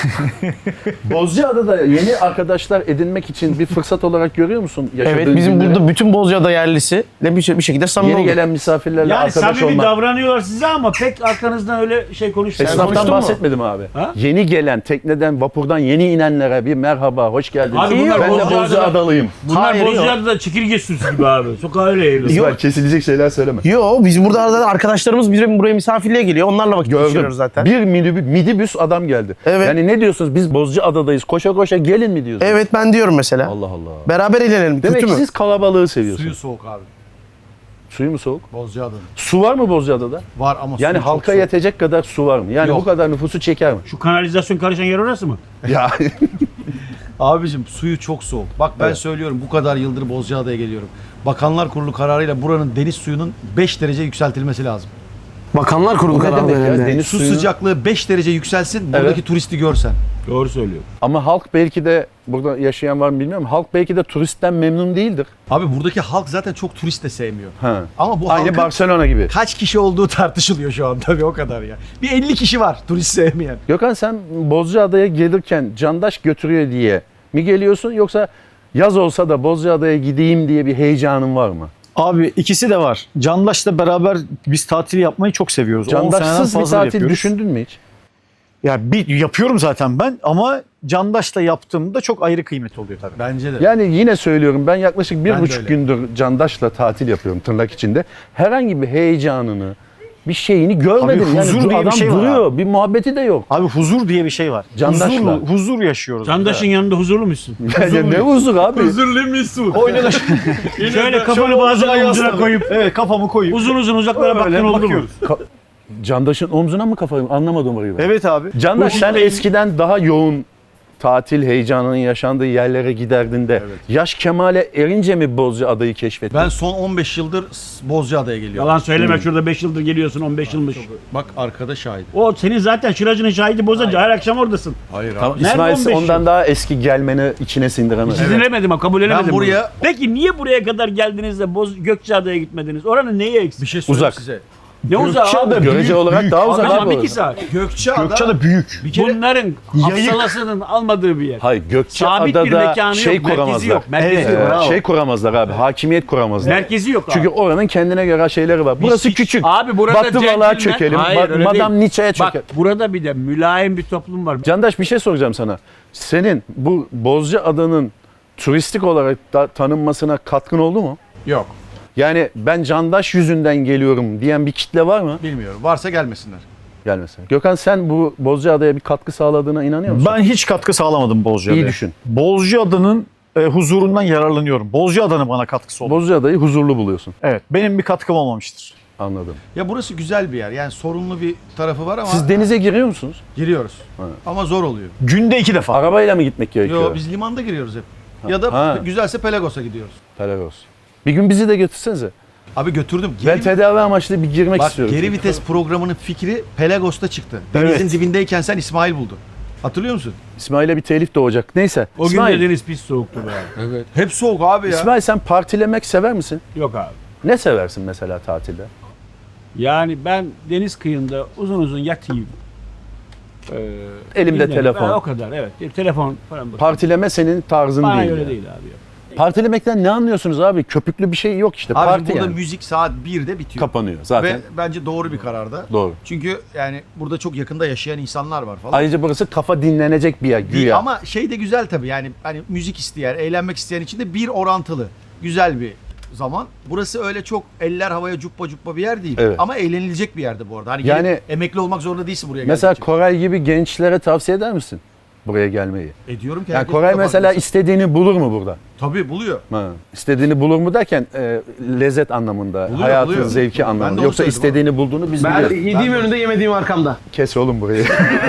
Speaker 1: Bozcaada'da yeni arkadaşlar edinmek için bir fırsat olarak görüyor musun? Yaşadığın
Speaker 4: Evet bizim
Speaker 1: günleri?
Speaker 4: burada bütün Bozcaada yerlisi bir şekilde samimi
Speaker 1: yeni
Speaker 4: olduk.
Speaker 1: gelen misafirlerle
Speaker 2: Yani
Speaker 1: arkadaş
Speaker 2: samimi
Speaker 1: olmak.
Speaker 2: davranıyorlar size ama pek arkanızdan öyle şey konuşmuyor.
Speaker 1: Esnaftan
Speaker 4: konuştun mu?
Speaker 1: bahsetmedim abi.
Speaker 2: Ha?
Speaker 1: Yeni gelen tekneden, vapurdan yeni inenlere bir merhaba, hoş geldiniz.
Speaker 2: Abi bunlar
Speaker 1: ben de
Speaker 2: Bozcaada'da-
Speaker 1: Bozcaada'lıyım.
Speaker 2: Bunlar
Speaker 4: Hayır, yok.
Speaker 2: Bozcaada'da çekirge sürüsü gibi abi. Sokağa öyle eğiliyor.
Speaker 1: İsmail kesilecek şeyler söyleme.
Speaker 4: Yo biz burada arada arkadaşlarımız bizim buraya misafirliğe geliyor. Onlarla vakit geçiriyoruz
Speaker 1: Gördüm.
Speaker 4: zaten.
Speaker 1: Bir minibüs 100 adam geldi.
Speaker 4: Evet.
Speaker 1: Yani ne diyorsunuz? Biz Bozcaada'dayız. Koşa koşa gelin mi diyorsunuz?
Speaker 4: Evet ben diyorum mesela.
Speaker 1: Allah Allah.
Speaker 4: Beraber eğlenelim.
Speaker 1: Demek
Speaker 4: Kötü
Speaker 1: ki
Speaker 4: mü?
Speaker 1: siz kalabalığı seviyorsunuz.
Speaker 3: Suyu soğuk abi.
Speaker 1: Suyu mu soğuk?
Speaker 3: Bozcaada'nın.
Speaker 1: Su var mı Bozcaada'da?
Speaker 3: Var ama
Speaker 1: Yani
Speaker 3: suyu çok
Speaker 1: halka
Speaker 3: soğuk.
Speaker 1: yetecek kadar su var mı? Yani
Speaker 3: Yok.
Speaker 1: bu kadar nüfusu çeker mi?
Speaker 2: Şu kanalizasyon karışan yer orası mı?
Speaker 1: Ya
Speaker 3: Abicim suyu çok soğuk. Bak ben
Speaker 1: Evet.
Speaker 3: söylüyorum bu kadar yıldır Bozcaada'ya geliyorum. Bakanlar Kurulu kararıyla buranın deniz suyunun 5 derece yükseltilmesi lazım.
Speaker 4: Bakanlar Kurulu
Speaker 1: ne
Speaker 4: kararı
Speaker 1: demek ya?
Speaker 4: herhalde.
Speaker 1: Deniz
Speaker 3: Su
Speaker 1: suyunu...
Speaker 3: sıcaklığı 5 derece yükselsin buradaki
Speaker 1: Evet.
Speaker 3: turisti görsen.
Speaker 2: Doğru söylüyor.
Speaker 1: Ama halk belki de burada yaşayan var mı bilmiyorum. Halk belki de turistten memnun değildir.
Speaker 3: Abi buradaki halk zaten çok turist de sevmiyor.
Speaker 1: Ha.
Speaker 3: Ama bu
Speaker 1: Aynı
Speaker 3: halkın
Speaker 1: Barcelona gibi.
Speaker 3: kaç kişi olduğu tartışılıyor şu an tabii o kadar ya. Bir 50 kişi var turist sevmeyen.
Speaker 1: Gökhan sen Bozcaada'ya gelirken candaş götürüyor diye mi geliyorsun yoksa yaz olsa da Bozcaada'ya gideyim diye bir heyecanın var mı?
Speaker 6: Abi ikisi de var. Candaş'la beraber biz tatil yapmayı çok seviyoruz. 10 seneden
Speaker 1: Candaşsız bir
Speaker 6: fazla
Speaker 1: tatil
Speaker 6: yapıyoruz.
Speaker 1: düşündün mü hiç?
Speaker 6: Ya bir yapıyorum zaten ben ama Candaş'la yaptığımda çok ayrı kıymet oluyor tabii.
Speaker 3: Bence de.
Speaker 1: Yani yine söylüyorum ben yaklaşık
Speaker 3: Ben
Speaker 1: bir
Speaker 3: de
Speaker 1: buçuk
Speaker 3: öyle.
Speaker 1: gündür candaşla tatil yapıyorum tırnak içinde. Herhangi bir heyecanını, bir şeyini görmedim.
Speaker 6: Abi huzur
Speaker 1: yani
Speaker 6: diye bir
Speaker 1: adam
Speaker 6: şey var
Speaker 1: duruyor, bir muhabbeti de yok.
Speaker 6: Abi huzur diye bir şey var.
Speaker 1: Candaşla.
Speaker 6: Huzur yaşıyoruz.
Speaker 2: Candaşın yanında huzurlu musun?
Speaker 1: Ya ne huzur abi?
Speaker 6: Oynadı.
Speaker 2: Şöyle kafanı bazen omzuna koyup
Speaker 6: Evet kafamı koyup.
Speaker 2: uzun uzun uzaklara
Speaker 6: Öyle
Speaker 2: baktın oldu mu?
Speaker 6: bakıyoruz.
Speaker 1: Candaşın omzuna mı kafayı? Anlamadım orayı ben.
Speaker 6: Evet abi.
Speaker 1: Candaş sen eskiden daha yoğun tatil heyecanının yaşandığı yerlere giderdin de yaş kemale erince mi Bozcaada'yı keşfettin?
Speaker 3: Ben son 15 yıldır Bozcaada'ya geliyorum.
Speaker 2: Yalan söyleme şurada 5 yıldır geliyorsun 15 yılmış.
Speaker 3: Bak arkada şahit.
Speaker 2: O senin zaten şıracının şahidi bozacı her akşam oradasın.
Speaker 3: Hayır abi.
Speaker 1: Tamam,
Speaker 2: Nerede
Speaker 1: İsmail
Speaker 2: 15
Speaker 1: ondan
Speaker 2: yıl?
Speaker 1: daha eski gelmeni içine sindiremez.
Speaker 2: Dinlemedim ama kabul edemedim.
Speaker 3: Ben buraya-
Speaker 2: bunu. Peki niye buraya kadar geldiniz de Gökçeada'ya gitmediniz? Oranın neyi eksik?
Speaker 3: Bir şey söyleyeyim
Speaker 1: Uzak.
Speaker 3: size.
Speaker 2: Ne uzak abi?
Speaker 1: Görece olarak daha uzak
Speaker 2: Tamam
Speaker 1: abi.
Speaker 2: 2 saat.
Speaker 3: Gökçeada
Speaker 6: büyük.
Speaker 3: bir kere
Speaker 2: Bunların hafsalasının almadığı bir yer.
Speaker 1: Hayır
Speaker 2: Sabit bir
Speaker 1: Gökçeada'da
Speaker 2: mekanı
Speaker 1: şey
Speaker 2: yok, merkezi
Speaker 1: kuramazlar.
Speaker 2: yok. Merkezi
Speaker 6: Evet,
Speaker 2: yok.
Speaker 6: bravo.
Speaker 1: Şey kuramazlar abi. Hakimiyet kuramazlar.
Speaker 2: Merkezi yok abi.
Speaker 1: Çünkü oranın kendine göre şeyleri var. Burası
Speaker 3: hiç-
Speaker 1: küçük.
Speaker 2: Abi burada
Speaker 1: Batı balığa
Speaker 2: centilmen-
Speaker 1: çökelim.
Speaker 2: Hayır, öyle
Speaker 1: Madame
Speaker 2: değil.
Speaker 1: Nietzsche'ye çökelim.
Speaker 2: Bak burada bir de mülayim bir toplum var.
Speaker 1: Candaş bir şey soracağım sana. Senin bu Bozcaada'nın turistik olarak da tanınmasına katkın oldu mu?
Speaker 3: yok.
Speaker 1: Yani ben Candaş yüzünden geliyorum diyen bir kitle var mı?
Speaker 3: Bilmiyorum. Varsa gelmesinler.
Speaker 1: Gelmesin. Gökhan sen bu Bozcaada'ya bir katkı sağladığına inanıyor musun?
Speaker 6: Ben hiç katkı sağlamadım Bozcaada'ya.
Speaker 1: İyi düşün.
Speaker 6: Bozcaada'nın huzurundan yararlanıyorum. Bozcaada'nın bana katkısı oldu.
Speaker 1: Bozcaada'yı huzurlu buluyorsun.
Speaker 6: Evet. Benim bir katkım olmamıştır.
Speaker 1: Anladım.
Speaker 3: Ya burası güzel bir yer. Yani sorunlu bir tarafı var ama
Speaker 1: Siz denize giriyor musunuz?
Speaker 3: giriyoruz. Ama zor oluyor.
Speaker 6: Günde 2 defa.
Speaker 1: Arabayla mı gitmek gerekiyor?
Speaker 3: Yo biz limanda giriyoruz hep. Ya da
Speaker 1: Ha.
Speaker 3: güzelse Pelagos'a gidiyoruz.
Speaker 1: Helal olsun. Bir gün bizi de götürsenize.
Speaker 3: Abi götürdüm.
Speaker 1: Ben tedavi amaçlı bir girmek
Speaker 3: Bak
Speaker 1: istiyorum.
Speaker 3: geri vites programının fikri Pelagos'ta çıktı. Denizin
Speaker 6: Evet.
Speaker 3: dibindeyken sen İsmail buldu. Hatırlıyor musun?
Speaker 1: İsmail'e bir telif doğacak. Neyse.
Speaker 2: O gün
Speaker 1: İsmail,
Speaker 2: de deniz pis soğuktu be.
Speaker 3: Evet. Hep soğuk abi ya.
Speaker 1: İsmail sen partilemek sever misin?
Speaker 2: Yok abi.
Speaker 1: Ne seversin mesela tatilde?
Speaker 2: Yani ben deniz kıyında uzun uzun yatayım.
Speaker 1: Elimde
Speaker 2: dinlerim.
Speaker 1: telefon.
Speaker 2: O kadar evet. Telefon falan bakıyorum.
Speaker 1: Partileme senin tarzın
Speaker 2: Bana
Speaker 1: değil.
Speaker 2: göre
Speaker 1: yani.
Speaker 2: değil abi. ya.
Speaker 1: Partilemekten ne anlıyorsunuz abi? Köpüklü bir şey yok işte.
Speaker 3: Abi
Speaker 1: Parti
Speaker 3: burada
Speaker 1: yani.
Speaker 3: müzik saat 1'de bitiyor.
Speaker 1: Kapanıyor zaten.
Speaker 3: Ve bence doğru bir kararda.
Speaker 1: Doğru.
Speaker 3: Çünkü yani burada çok yakında yaşayan insanlar var falan.
Speaker 1: Ayrıca burası kafa dinlenecek bir yer güya.
Speaker 3: Ama şey de güzel tabii yani hani müzik isteyen, eğlenmek isteyen için de bir orantılı. Güzel bir zaman. Burası öyle çok eller havaya cuppa cuppa bir yer değil.
Speaker 1: Evet.
Speaker 3: Ama eğlenilecek bir yerde bu arada. Hani
Speaker 1: Yani-
Speaker 3: gelip emekli olmak zorunda değilsin buraya
Speaker 1: Mesela
Speaker 3: geldikçe.
Speaker 1: Koray gibi gençlere tavsiye eder misin buraya gelmeyi?
Speaker 3: Ediyorum ki
Speaker 1: Yani
Speaker 3: herkes
Speaker 1: Koray
Speaker 3: burada
Speaker 1: mesela
Speaker 3: farklı.
Speaker 1: istediğini bulur mu burada?
Speaker 3: Tabii buluyor.
Speaker 1: Ha. İstediğini bulur mu derken lezzet anlamında,
Speaker 3: Buluyor,
Speaker 1: hayatın
Speaker 3: buluyor.
Speaker 1: zevki
Speaker 3: Ben de
Speaker 1: anlamında.
Speaker 3: onu
Speaker 1: Yoksa
Speaker 3: söyledim
Speaker 1: istediğini bulduğunu biz
Speaker 4: Ben
Speaker 1: biliyoruz.
Speaker 4: yediğim önünde yemediğim arkamda.
Speaker 1: Kes oğlum burayı.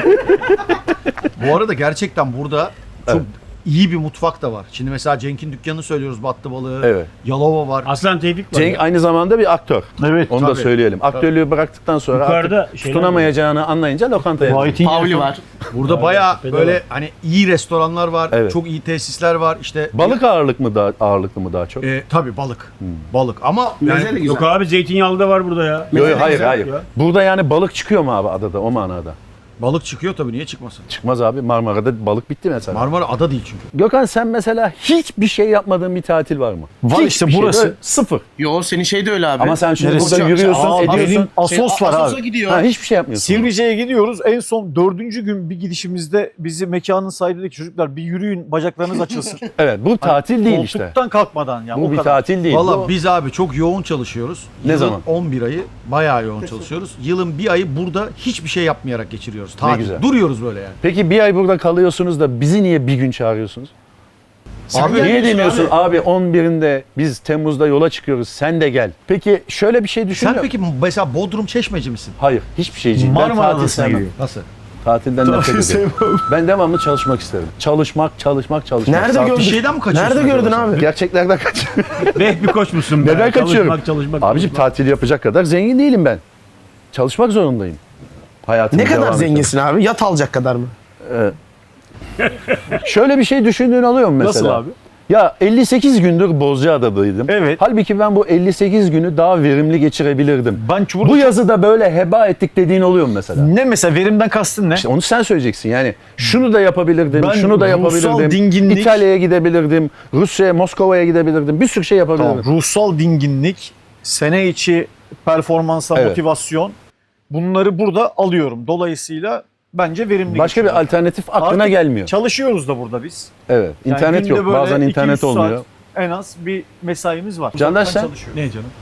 Speaker 3: Bu arada gerçekten burada çok
Speaker 1: Evet.
Speaker 3: iyi bir mutfak da var. Şimdi mesela Cenk'in dükkanını söylüyoruz. Battı balığı,
Speaker 1: Evet.
Speaker 3: Yalova var.
Speaker 2: Aslan Tevfik var.
Speaker 1: Cenk
Speaker 2: ya.
Speaker 1: aynı zamanda bir aktör.
Speaker 6: Evet.
Speaker 1: Onu da
Speaker 3: Tabii.
Speaker 1: söyleyelim. Aktörlüğü bıraktıktan sonra
Speaker 2: Yukarıda
Speaker 1: artık
Speaker 2: şeyler
Speaker 1: tutunamayacağını anlayınca lokantaya gidiyor.
Speaker 6: White'in
Speaker 4: Pavli var.
Speaker 3: Burada bayağı
Speaker 2: tepede
Speaker 3: böyle
Speaker 2: var.
Speaker 3: hani iyi restoranlar var.
Speaker 1: Evet.
Speaker 3: Çok iyi tesisler var. İşte
Speaker 1: Balık ağırlıklı mı daha çok?
Speaker 3: tabii balık. Balık ama
Speaker 4: Meze de
Speaker 3: yani
Speaker 4: güzel.
Speaker 2: Yok abi zeytinyağlı da var burada ya.
Speaker 1: Yok hayır
Speaker 4: güzel
Speaker 1: hayır.
Speaker 2: ya.
Speaker 1: Burada yani balık çıkıyor mu abi adada o manada?
Speaker 3: balık çıkıyor tabii niye çıkmasın?
Speaker 1: Çıkmaz abi. Marmara'da balık bitti mesela.
Speaker 3: Marmara ada değil çünkü.
Speaker 1: Gökhan sen mesela hiçbir şey yapmadığın bir tatil var mı?
Speaker 6: Var
Speaker 1: Hiçbir
Speaker 6: işte
Speaker 1: şey,
Speaker 6: burası.
Speaker 1: böyle sıfır.
Speaker 4: Yo senin şey de öyle abi.
Speaker 1: Ama sen şimdi
Speaker 6: Neresi?
Speaker 1: burada yürüyorsun,
Speaker 6: Aa,
Speaker 1: ediyorsun.
Speaker 6: benim Asos var
Speaker 4: Asos'a
Speaker 6: abi.
Speaker 4: gidiyor.
Speaker 1: Ha, hiçbir şey yapmıyorsun.
Speaker 6: Sivrice'ye gidiyoruz. En son 4. gün bir gidişimizde bizi mekanın sahibi dedi ki çocuklar bir yürüyün bacaklarınız açılsın.
Speaker 1: Evet bu tatil değil işte.
Speaker 6: Koltuktan kalkmadan ya.
Speaker 1: Bu
Speaker 6: o
Speaker 1: bir
Speaker 6: kadar.
Speaker 1: tatil değil.
Speaker 3: Valla
Speaker 1: Bu-
Speaker 3: biz abi çok yoğun çalışıyoruz.
Speaker 1: Ne
Speaker 3: Yılın
Speaker 1: zaman?
Speaker 3: 11 ayı bayağı yoğun çalışıyoruz. Yılın bir ayı burada hiçbir şey yapmayarak geçiriyoruz. gidiyoruz. Tatil.
Speaker 1: güzel.
Speaker 3: Duruyoruz böyle yani.
Speaker 1: Peki bir ay burada kalıyorsunuz da bizi niye bir gün çağırıyorsunuz?
Speaker 3: Abi
Speaker 1: Niye demiyorsun abi 11'inde biz Temmuz'da yola çıkıyoruz sen de gel. Peki şöyle bir şey düşünüyor
Speaker 3: sen peki mesela Bodrum Çeşmeci misin?
Speaker 1: Hayır hiçbir şeyciyim. Ben
Speaker 6: Marmara
Speaker 1: tatil
Speaker 6: Adası'na
Speaker 1: sevmem.
Speaker 6: gidiyor.
Speaker 3: Nasıl?
Speaker 1: Tatilden nefret ediyorum. Ben devamlı çalışmak isterim. Çalışmak.
Speaker 4: Nerede
Speaker 1: Saat-
Speaker 4: gördün?
Speaker 3: Bir şeyden mi kaçıyorsun?
Speaker 4: Nerede gördün
Speaker 3: acaba?
Speaker 4: abi?
Speaker 1: Gerçeklerden kaçıyorum.
Speaker 2: Beh bir koç musun be?
Speaker 1: Neden kaçıyorum?
Speaker 2: Çalışmak.
Speaker 1: Abicim tatil yapacak kadar zengin değilim ben. Çalışmak zorundayım. Hayatımı
Speaker 4: Ne kadar
Speaker 1: devam
Speaker 4: zenginsin abi? Yat alacak kadar mı?
Speaker 1: ettirmek. Şöyle bir şey düşündüğün oluyor mu mesela?
Speaker 6: Nasıl abi?
Speaker 1: Ya 58 gündür Bozcaada'daydım.
Speaker 6: Evet.
Speaker 1: Halbuki ben bu 58 günü daha verimli geçirebilirdim.
Speaker 6: Ben burada
Speaker 1: Bu yazı da böyle heba ettik dediğin oluyor mu mesela?
Speaker 6: ne mesela verimden kastın ne?
Speaker 1: İşte onu sen söyleyeceksin yani. Şunu da yapabilirdim,
Speaker 6: Ben
Speaker 1: şunu da
Speaker 6: ruhsal
Speaker 1: yapabilirdim.
Speaker 6: dinginlik-
Speaker 1: İtalya'ya gidebilirdim, Rusya'ya, Moskova'ya gidebilirdim. Bir sürü şey yapabilirdim.
Speaker 6: Tamam, ruhsal dinginlik, sene içi performansa
Speaker 1: Evet.
Speaker 6: motivasyon bunları burada alıyorum. Dolayısıyla bence verimli
Speaker 1: Başka bir
Speaker 6: geçiyor.
Speaker 1: alternatif aklına
Speaker 6: Artık
Speaker 1: gelmiyor.
Speaker 6: Çalışıyoruz da burada biz.
Speaker 1: Evet,
Speaker 6: Yani
Speaker 1: internet
Speaker 6: günde
Speaker 1: yok.
Speaker 6: böyle
Speaker 1: Bazen
Speaker 6: 200
Speaker 1: internet
Speaker 6: saat
Speaker 1: olmuyor.
Speaker 6: En az bir mesaimiz var.
Speaker 1: Candaş
Speaker 6: Uzaktan
Speaker 1: sen?
Speaker 6: çalışıyoruz.
Speaker 3: Ne canım?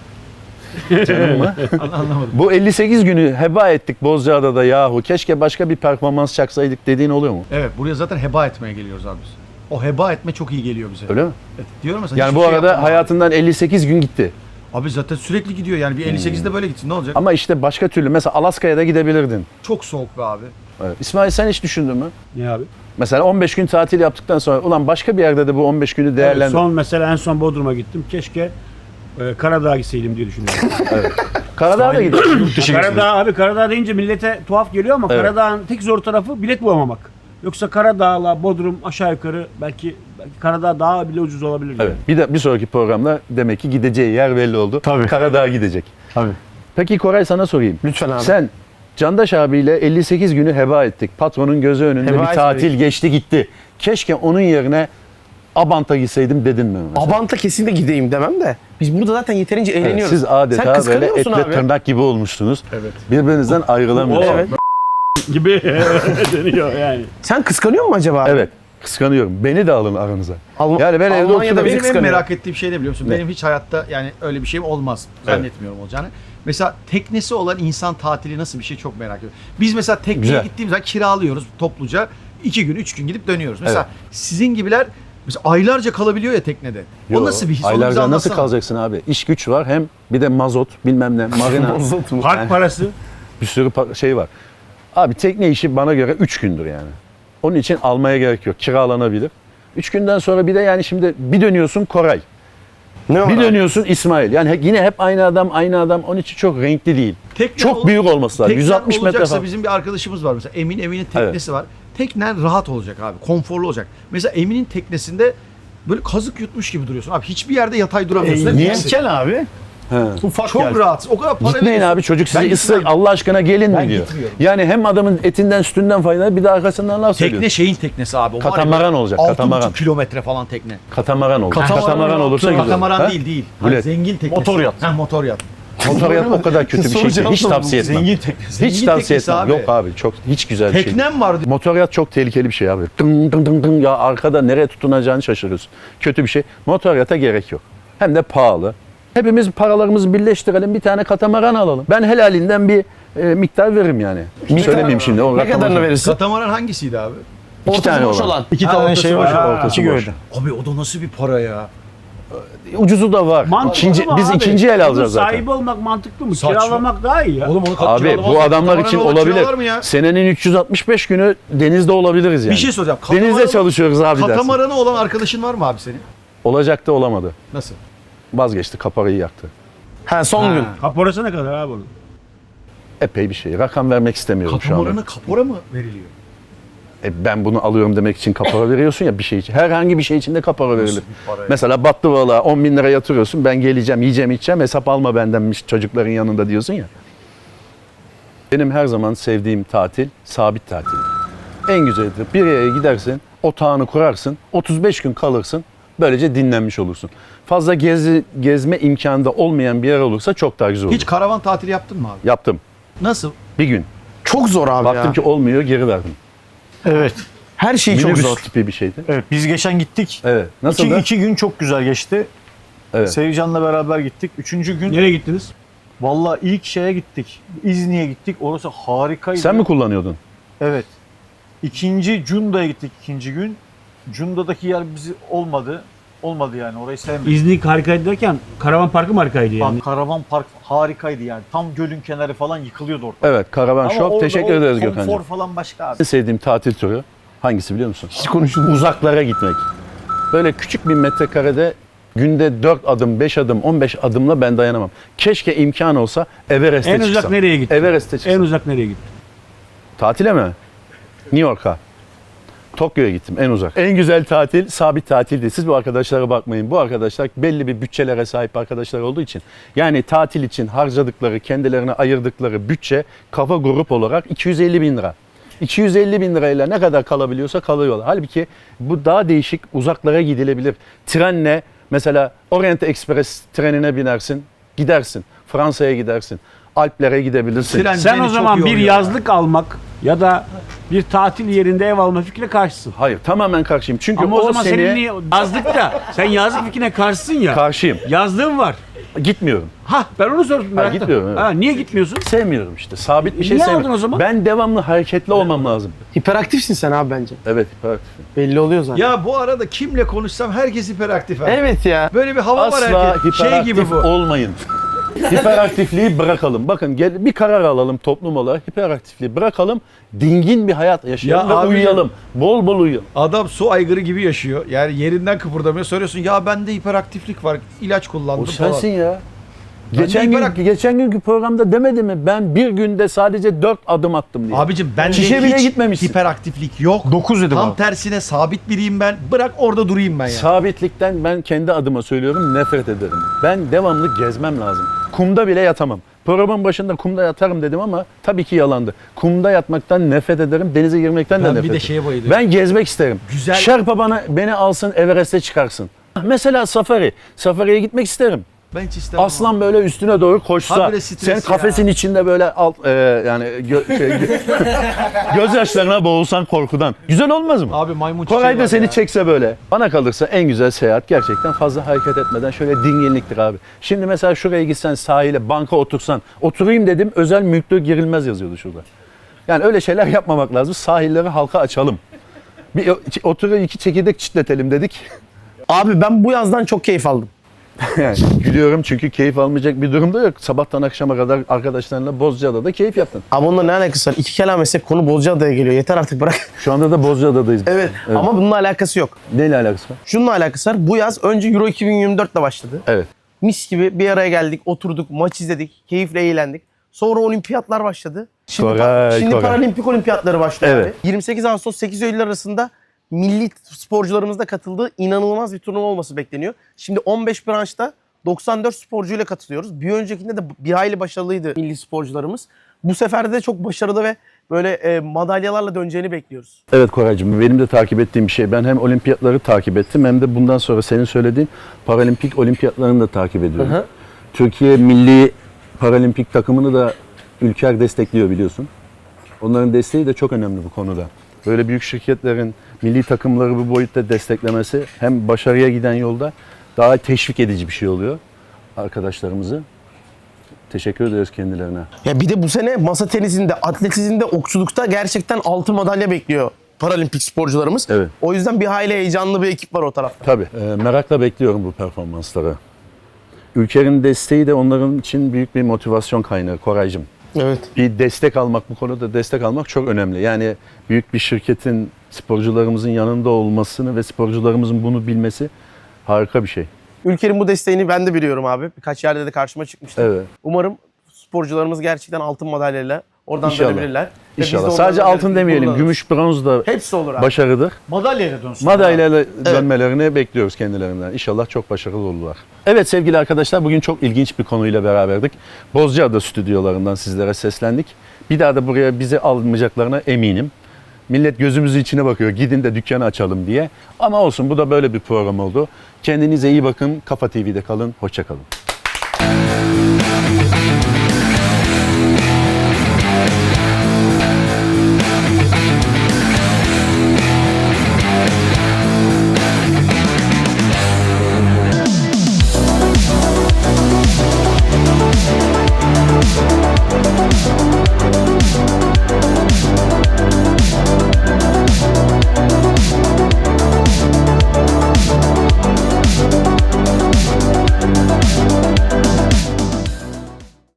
Speaker 1: Canım mı?
Speaker 3: Anlamadım.
Speaker 1: Bu 58 günü heba ettik Bozcaada'da yahu. Keşke başka bir performans çaksaydık dediğin oluyor mu?
Speaker 3: Evet buraya zaten heba etmeye geliyoruz abi biz. O heba etme çok iyi geliyor bize.
Speaker 1: Öyle mi?
Speaker 3: Evet, diyorum mesela.
Speaker 1: Yani
Speaker 3: hiçbir
Speaker 1: bu
Speaker 3: şey
Speaker 1: arada
Speaker 3: yapmam abi.
Speaker 1: hayatından 58 gün gitti.
Speaker 3: Abi zaten sürekli gidiyor yani bir 58'de böyle gitsin ne olacak?
Speaker 1: Ama işte başka türlü mesela Alaska'ya da gidebilirdin.
Speaker 3: Çok soğuk be abi.
Speaker 1: Evet. İsmail sen hiç düşündün mü?
Speaker 2: Ne abi?
Speaker 1: Mesela 15 gün tatil yaptıktan sonra ulan başka bir yerde de bu 15 günü
Speaker 2: Evet,
Speaker 1: değerlendir.
Speaker 2: en son Bodrum'a gittim. Keşke Karadağ'a gitseydim diye düşünüyorum.
Speaker 1: Karadağ'a da gidelim.
Speaker 2: Karadağ deyince millete tuhaf geliyor ama
Speaker 1: Evet.
Speaker 2: Karadağ'ın tek zor tarafı bilet bulamamak. Yoksa Karadağ'la Bodrum aşağı yukarı belki Karadağ daha bile ucuz olabilir.
Speaker 1: Evet. Bir sonraki programda demek ki gideceği yer belli oldu.
Speaker 6: Tabii.
Speaker 1: Karadağ'a gidecek.
Speaker 6: Tabii.
Speaker 1: Peki Koray sana sorayım.
Speaker 4: Lütfen abi.
Speaker 1: Sen Candaş abiyle 58 günü heba ettik. Patronun gözü önünde
Speaker 4: Heba
Speaker 1: bir tatil
Speaker 4: etmedik.
Speaker 1: geçti gitti. Keşke onun yerine Abant'a gitseydim dedin mi? mesela?
Speaker 4: Abant'a kesinlikle gideyim demem de. Biz burada zaten yeterince
Speaker 1: Evet,
Speaker 4: eğleniyoruz.
Speaker 1: siz
Speaker 4: Sen
Speaker 1: adeta böyle
Speaker 4: kıskanıyor musun
Speaker 1: etle
Speaker 4: abi?
Speaker 1: tırnak gibi olmuşsunuz.
Speaker 3: Evet.
Speaker 1: Birbirinizden ayrılamıyorsunuz.
Speaker 4: Evet.
Speaker 2: gibi deniyor yani.
Speaker 4: Sen kıskanıyor musun acaba abi?
Speaker 1: Evet. Kıskanıyorum. Beni de alın aranıza. Yani ben evde
Speaker 4: Almanya'da
Speaker 1: oturuyorum.
Speaker 4: bizi
Speaker 3: Benim en
Speaker 4: kıskanıyor.
Speaker 3: merak ettiğim şey ne biliyor musun?
Speaker 1: Ne?
Speaker 3: Benim hiç hayatta yani öyle bir şeyim olmaz. Zannetmiyorum olacağını. Mesela teknesi olan insan tatili nasıl bir şey çok merak ediyorum. Biz mesela tekneye
Speaker 1: Güzel.
Speaker 3: gittiğimiz zaman kiralıyoruz topluca. 2 gün 3 gün gidip dönüyoruz. Mesela
Speaker 1: Evet.
Speaker 3: sizin gibiler mesela aylarca kalabiliyor ya teknede.
Speaker 1: Yo,
Speaker 3: o nasıl bir his? Onu bize
Speaker 1: Aylarca nasıl
Speaker 3: anlatsana.
Speaker 1: kalacaksın abi? İş güç var hem bir de mazot bilmem ne marina
Speaker 2: Park parası.
Speaker 1: bir sürü şey var. Abi tekne işi bana göre 3 gündür yani. Onun için almaya gerek yok. Kiralanabilir. 3 günden sonra bir de yani şimdi bir dönüyorsun Koray.
Speaker 4: Ne var
Speaker 1: Bir
Speaker 4: abi?
Speaker 1: dönüyorsun İsmail. Yani yine hep aynı adam. Onun için çok renkli değil.
Speaker 3: Tekne
Speaker 1: Çok büyük olması lazım.
Speaker 3: Teknen
Speaker 1: 160 metre
Speaker 3: olacaksa
Speaker 1: falan.
Speaker 3: bizim bir arkadaşımız var mesela Emin'in teknesi var. Teknen rahat olacak abi. Konforlu olacak. Mesela Emin'in teknesinde böyle kazık yutmuş gibi duruyorsun. Abi hiçbir yerde yatay duramıyorsun. Hep
Speaker 1: niye?
Speaker 3: yüksek.
Speaker 6: Gel abi.
Speaker 1: He.
Speaker 6: Ufak
Speaker 3: Çok
Speaker 6: gel.
Speaker 3: rahatsın. O kadar para
Speaker 1: Gitmeyin
Speaker 3: veriyorsun.
Speaker 1: abi çocuk sizi
Speaker 3: Ben
Speaker 1: ısır
Speaker 3: gitmem.
Speaker 1: Allah aşkına gelin
Speaker 3: Ben
Speaker 1: mi diyor.
Speaker 3: gitmiyorum.
Speaker 1: Yani hem adamın etinden sütünden faydalı bir de arkasından laf söylüyor.
Speaker 3: Tekne şeyin teknesi abi. O var ya,
Speaker 1: Katamaran olacak,
Speaker 3: 6,5
Speaker 1: katamaran.
Speaker 3: kilometre falan tekne.
Speaker 1: Katamaran olur.
Speaker 3: Katamaran
Speaker 1: Katamaran olursa güzel.
Speaker 3: Katamaran
Speaker 1: Ha?
Speaker 3: değil.
Speaker 1: Bilet.
Speaker 3: Zengin teknesi.
Speaker 6: Motor yat.
Speaker 3: Ha motor yat.
Speaker 1: Motor yat o kadar kötü bir şey ki. Hiç tavsiye etmem.
Speaker 6: Zengin teknesi.
Speaker 1: Hiç
Speaker 3: Zengin
Speaker 1: tavsiye
Speaker 3: teknesi
Speaker 1: etmem.
Speaker 3: abi.
Speaker 1: Yok abi çok hiç güzel bir şey. değil.
Speaker 3: Teknem var.
Speaker 1: Motoryat çok tehlikeli bir şey abi. Dın dın dın dın ya arkada nereye tutunacağını şaşırıyorsun. Kötü bir şey. Motoryata gerek yok. Hem de pahalı. Hepimiz paralarımızı birleştirelim bir tane katamaran alalım. Ben helalinden bir miktar veririm yani. Söylemeyeyim şimdi. O
Speaker 4: Ne
Speaker 1: rakamı-
Speaker 4: kadarını verirsin?
Speaker 3: Katamaran hangisiydi abi?
Speaker 1: İki tane
Speaker 4: boş
Speaker 1: olan.
Speaker 6: İki
Speaker 3: Ha,
Speaker 6: tane
Speaker 3: ortası
Speaker 6: şey
Speaker 3: var.
Speaker 6: var.
Speaker 1: Ortası
Speaker 6: İki
Speaker 1: boş.
Speaker 6: gövde.
Speaker 3: Abi o da nasıl bir para ya?
Speaker 1: Ucuzu da var.
Speaker 2: Mantıklı mı
Speaker 1: Biz
Speaker 2: abi?
Speaker 1: ikinci el
Speaker 2: Bunun
Speaker 1: alacağız zaten.
Speaker 2: Sahibi olmak mantıklı mı?
Speaker 3: Saçma.
Speaker 2: Kiralamak daha iyi ya.
Speaker 3: Oğlum onu
Speaker 1: Abi bu adamlar için olabilir.
Speaker 3: Mı ya?
Speaker 1: Senenin 365 günü denizde olabiliriz yani.
Speaker 3: Bir şey soracağım.
Speaker 1: Denizde çalışıyoruz abi dersin.
Speaker 3: Katamaranı olan arkadaşın var mı abi senin?
Speaker 1: Olacaktı olamadı.
Speaker 3: Nasıl?
Speaker 1: Vazgeçti kaparayı yaktı.
Speaker 4: Ha son gün.
Speaker 2: Kaporası ne kadar abi onun?
Speaker 1: Epey bir şey. Rakam vermek istemiyorum şu anda.
Speaker 3: Katamaranı kapora mı veriliyor?
Speaker 1: Ben bunu alıyorum demek için kapara veriyorsun ya bir şey için. Herhangi bir şey için de kapara verilir.
Speaker 3: bir para ya?
Speaker 1: Mesela battı valla 10 bin lira yatırıyorsun. Ben geleceğim, yiyeceğim, içeceğim. Hesap alma bendenmiş çocukların yanında diyorsun ya. Benim her zaman sevdiğim tatil sabit tatil. En güzelidir. Bir yere gidersin, otağını kurarsın, 35 gün kalırsın. Böylece dinlenmiş olursun. Fazla gezme imkanı da olmayan bir yer olursa çok daha güzel olur.
Speaker 3: Hiç karavan tatili yaptın mı abi?
Speaker 1: Yaptım.
Speaker 3: Nasıl?
Speaker 1: Bir gün.
Speaker 4: Çok zor abi
Speaker 1: Baktım
Speaker 4: ya.
Speaker 1: ki olmuyor, geri verdim.
Speaker 6: Evet.
Speaker 4: Her şey çok
Speaker 1: Minibüs
Speaker 4: zor.
Speaker 1: tipi bir şeydi.
Speaker 6: Evet biz geçen gittik.
Speaker 1: Evet. Nasıl da?
Speaker 6: İki gün çok güzel geçti.
Speaker 1: Evet.
Speaker 6: Sevcan'la beraber gittik. Üçüncü gün
Speaker 2: Nereye gittiniz?
Speaker 6: vallahi ilk şeye gittik. İzni'ye gittik. Orası harikaydı.
Speaker 1: Sen mi kullanıyordun?
Speaker 6: Evet. İkinci Cunda'ya gittik ikinci gün. Cunda'daki yer bizi olmadı. Olmadı yani orayı sevmedim.
Speaker 2: İznik harikaydı derken karavan parkı mı harikaydı yani?
Speaker 6: Bak, karavan park harikaydı yani. Tam gölün kenarı falan yıkılıyordu orada.
Speaker 1: Evet, Karavan
Speaker 6: Ama
Speaker 1: Shop.
Speaker 6: orada
Speaker 1: Teşekkür
Speaker 6: o
Speaker 1: ederiz
Speaker 6: konfor
Speaker 1: Gökhan'cığım.
Speaker 6: falan başka abi.
Speaker 1: En sevdiğim tatil türü hangisi biliyor musun? Hiç konuşulmuyor. Uzaklara gitmek. Böyle küçük bir metrekarede günde 4 adım, 5 adım, 15 adımla ben dayanamam. Keşke imkan olsa Everest'e
Speaker 2: En
Speaker 1: çıksam.
Speaker 2: uzak nereye gittin?
Speaker 1: Everest'e çıksam.
Speaker 2: En uzak nereye gittin?
Speaker 1: Tatile mi? New York'a. Tokyo'ya gittim en uzak. En güzel tatil sabit tatil değil. Siz bu arkadaşlara bakmayın. Bu arkadaşlar belli bir bütçelere sahip arkadaşlar olduğu için. Yani tatil için harcadıkları, kendilerine ayırdıkları bütçe kafa grup olarak 250 bin lira. 250 bin lirayla ne kadar kalabiliyorsa kalıyorlar. Halbuki bu daha değişik uzaklara gidilebilir. Trenle mesela Orient Express trenine binersin, gidersin. Fransa'ya gidersin. Alplere gidebilirsin.
Speaker 3: Tren
Speaker 2: Sen
Speaker 3: beni
Speaker 2: o
Speaker 3: çok
Speaker 2: zaman bir
Speaker 3: yoruyor.
Speaker 2: yazlık almak ya da bir tatil yerinde ev alma fikrine karşısın.
Speaker 1: Hayır, tamamen karşıyım. Çünkü
Speaker 2: Ama o zaman
Speaker 1: seni
Speaker 2: senin niye yazlıkta? Sen yazlık fikrine karşısın ya.
Speaker 1: karşıyım.
Speaker 2: Yazlığın var.
Speaker 1: Gitmiyorum.
Speaker 2: Ha ben onu sordum. meraktan.
Speaker 1: gitmiyorum, evet.
Speaker 2: Ha, niye gitmiyorsun?
Speaker 1: Sevmiyorum işte. Sabit bir şey
Speaker 2: Niye aldın
Speaker 1: sevmiyorum.
Speaker 2: o zaman?
Speaker 1: Ben devamlı hareketli olmam lazım.
Speaker 4: Hiperaktifsin sen abi bence.
Speaker 1: Evet, hiperaktif.
Speaker 4: Belli oluyor zaten.
Speaker 3: Ya bu arada kimle konuşsam herkes hiperaktif. ha.
Speaker 4: Evet ya.
Speaker 3: Böyle bir hava var
Speaker 1: Asla
Speaker 3: herkes. Şey
Speaker 1: hiperaktif
Speaker 3: gibi bu.
Speaker 1: olmayın. Hiperaktifliği bırakalım. Bakın bir karar alalım toplum olarak. Hiperaktifliği bırakalım. Dingin bir hayat yaşayalım
Speaker 3: Ya
Speaker 1: ve
Speaker 3: abi-
Speaker 1: uyuyalım. Bol bol uyuyalım.
Speaker 3: Adam su aygırı gibi yaşıyor. Yani yerinden kıpırdamıyor. Soruyorsun ya bende hiperaktiflik var. İlaç kullandım
Speaker 1: O sensin ya.
Speaker 3: Ben de
Speaker 1: Geçen günkü programda demedi mi? Ben bir günde sadece 4 adım attım diye.
Speaker 3: Abicim bende
Speaker 1: Çişe bile
Speaker 3: hiç
Speaker 1: gitmemişsin.
Speaker 3: hiperaktiflik yok.
Speaker 4: 9 dedim
Speaker 3: Tam
Speaker 4: abi.
Speaker 3: tersine sabit biriyim ben. Bırak orada durayım ben ya.
Speaker 1: Sabitlikten ben kendi adıma söylüyorum nefret ederim. Ben devamlı gezmem lazım. Kumda bile yatamam. Programın başında kumda yatarım dedim ama tabii ki yalandı. Kumda yatmaktan nefret ederim, denize girmekten de
Speaker 3: Ben
Speaker 1: nefret
Speaker 3: bir
Speaker 1: ederim.
Speaker 3: de şeye bayılıyorum.
Speaker 1: Ben gezmek isterim.
Speaker 3: Güzel-
Speaker 1: Şerpa beni alsın Everest'e çıkarsın. Mesela safari. Safari'ye gitmek isterim.
Speaker 3: Ben hiç istemem.
Speaker 1: Aslan böyle üstüne doğru koşsa,
Speaker 3: Habire stres
Speaker 1: sen
Speaker 3: ya.
Speaker 1: kafesin içinde böyle gözyaşlarına boğulsan korkudan. Güzel olmaz mı?
Speaker 3: Abi maymun çiçeği
Speaker 1: Koray da
Speaker 3: var
Speaker 1: seni
Speaker 3: ya.
Speaker 1: çekse böyle. Bana kalırsa en güzel seyahat gerçekten fazla hareket etmeden şöyle dinginliktir abi. Şimdi mesela şuraya gitsen sahile, banka otursan, oturayım dedim özel mülklü girilmez yazıyordu şurada. Yani öyle şeyler yapmamak lazım. Sahilleri halka açalım. Bir oturup 2 çekirdek çitletelim dedik.
Speaker 4: Abi ben bu yazdan çok keyif aldım.
Speaker 1: Yani gülüyorum çünkü keyif almayacak bir durumda yok. Sabahtan akşama kadar arkadaşlarınla Bozcaada'da keyif yaptın.
Speaker 4: Abi onunla ne alakası var? İki kelam etsek konu Bozcaada'ya geliyor. Yeter artık bırak.
Speaker 1: Şu anda da Bozcaada'dayız.
Speaker 4: Evet. Ama bununla alakası yok.
Speaker 1: Neyle alakası var?
Speaker 4: Şununla alakası var. Bu yaz önce Euro 2024 ile başladı.
Speaker 1: Evet.
Speaker 4: Mis gibi bir araya geldik, oturduk, maç izledik, keyifle eğlendik. Sonra olimpiyatlar başladı. Şimdi,
Speaker 1: Koray.
Speaker 4: paralimpik olimpiyatları başlıyor
Speaker 1: Evet.
Speaker 4: abi. 28 Ağustos 8 Eylül arasında milli sporcularımız da katıldığı inanılmaz bir turnuva olması bekleniyor. Şimdi 15 branşta 94 sporcuyla katılıyoruz. Bir öncekinde de bir hayli başarılıydı milli sporcularımız. Bu sefer de çok başarılı ve böyle madalyalarla döneceğini bekliyoruz.
Speaker 1: Evet Koraycığım, benim de takip ettiğim bir şey. Ben hem olimpiyatları takip ettim hem de bundan sonra senin söylediğin paralimpik olimpiyatlarını da takip ediyorum.
Speaker 4: Hı hı.
Speaker 1: Türkiye milli paralimpik takımını da Ülker destekliyor biliyorsun. Onların desteği de çok önemli bu konuda. Böyle büyük şirketlerin milli takımları bu boyutta desteklemesi hem başarıya giden yolda daha teşvik edici bir şey oluyor arkadaşlarımızı. Teşekkür ederiz kendilerine.
Speaker 4: Ya bir de bu sene masa tenisinde, atletizmde, okçulukta gerçekten altın madalya bekliyor paralimpik sporcularımız.
Speaker 1: Evet.
Speaker 4: O yüzden bir hayli heyecanlı bir ekip var o tarafta.
Speaker 1: Tabii. Merakla bekliyorum bu performansları. Ülkenin desteği de onların için büyük bir motivasyon kaynağı Koraycığım.
Speaker 4: Evet.
Speaker 1: Bir destek almak, bu konuda destek almak çok önemli. Yani büyük bir şirketin sporcularımızın yanında olmasını ve sporcularımızın bunu bilmesi harika bir şey.
Speaker 4: Ülkenin bu desteğini ben de biliyorum abi. Birkaç yerde de karşıma çıkmıştı.
Speaker 1: Evet.
Speaker 4: Umarım sporcularımız gerçekten altın madalyayla oradan
Speaker 1: İnşallah.
Speaker 4: dönebilirler. Ve biz de
Speaker 1: İnşallah.
Speaker 4: onlardan
Speaker 1: Sadece altın
Speaker 4: gurur
Speaker 1: demeyelim.
Speaker 4: duyarız.
Speaker 1: Gümüş, bronz da
Speaker 4: Hepsi olur abi.
Speaker 1: başarıdır.
Speaker 6: Madalyayla dönsün.
Speaker 1: Madalyayla dönmelerini bekliyoruz kendilerinden. İnşallah çok başarılı olurlar. Evet sevgili arkadaşlar, bugün çok ilginç bir konuyla beraberdik. Bozcaada stüdyolarından sizlere seslendik. Bir daha da buraya bizi almayacaklarına eminim. Millet gözümüzün içine bakıyor, gidin de dükkanı açalım diye. Ama olsun, bu da böyle bir program oldu. Kendinize iyi bakın, Kafa TV'de kalın, hoşça kalın.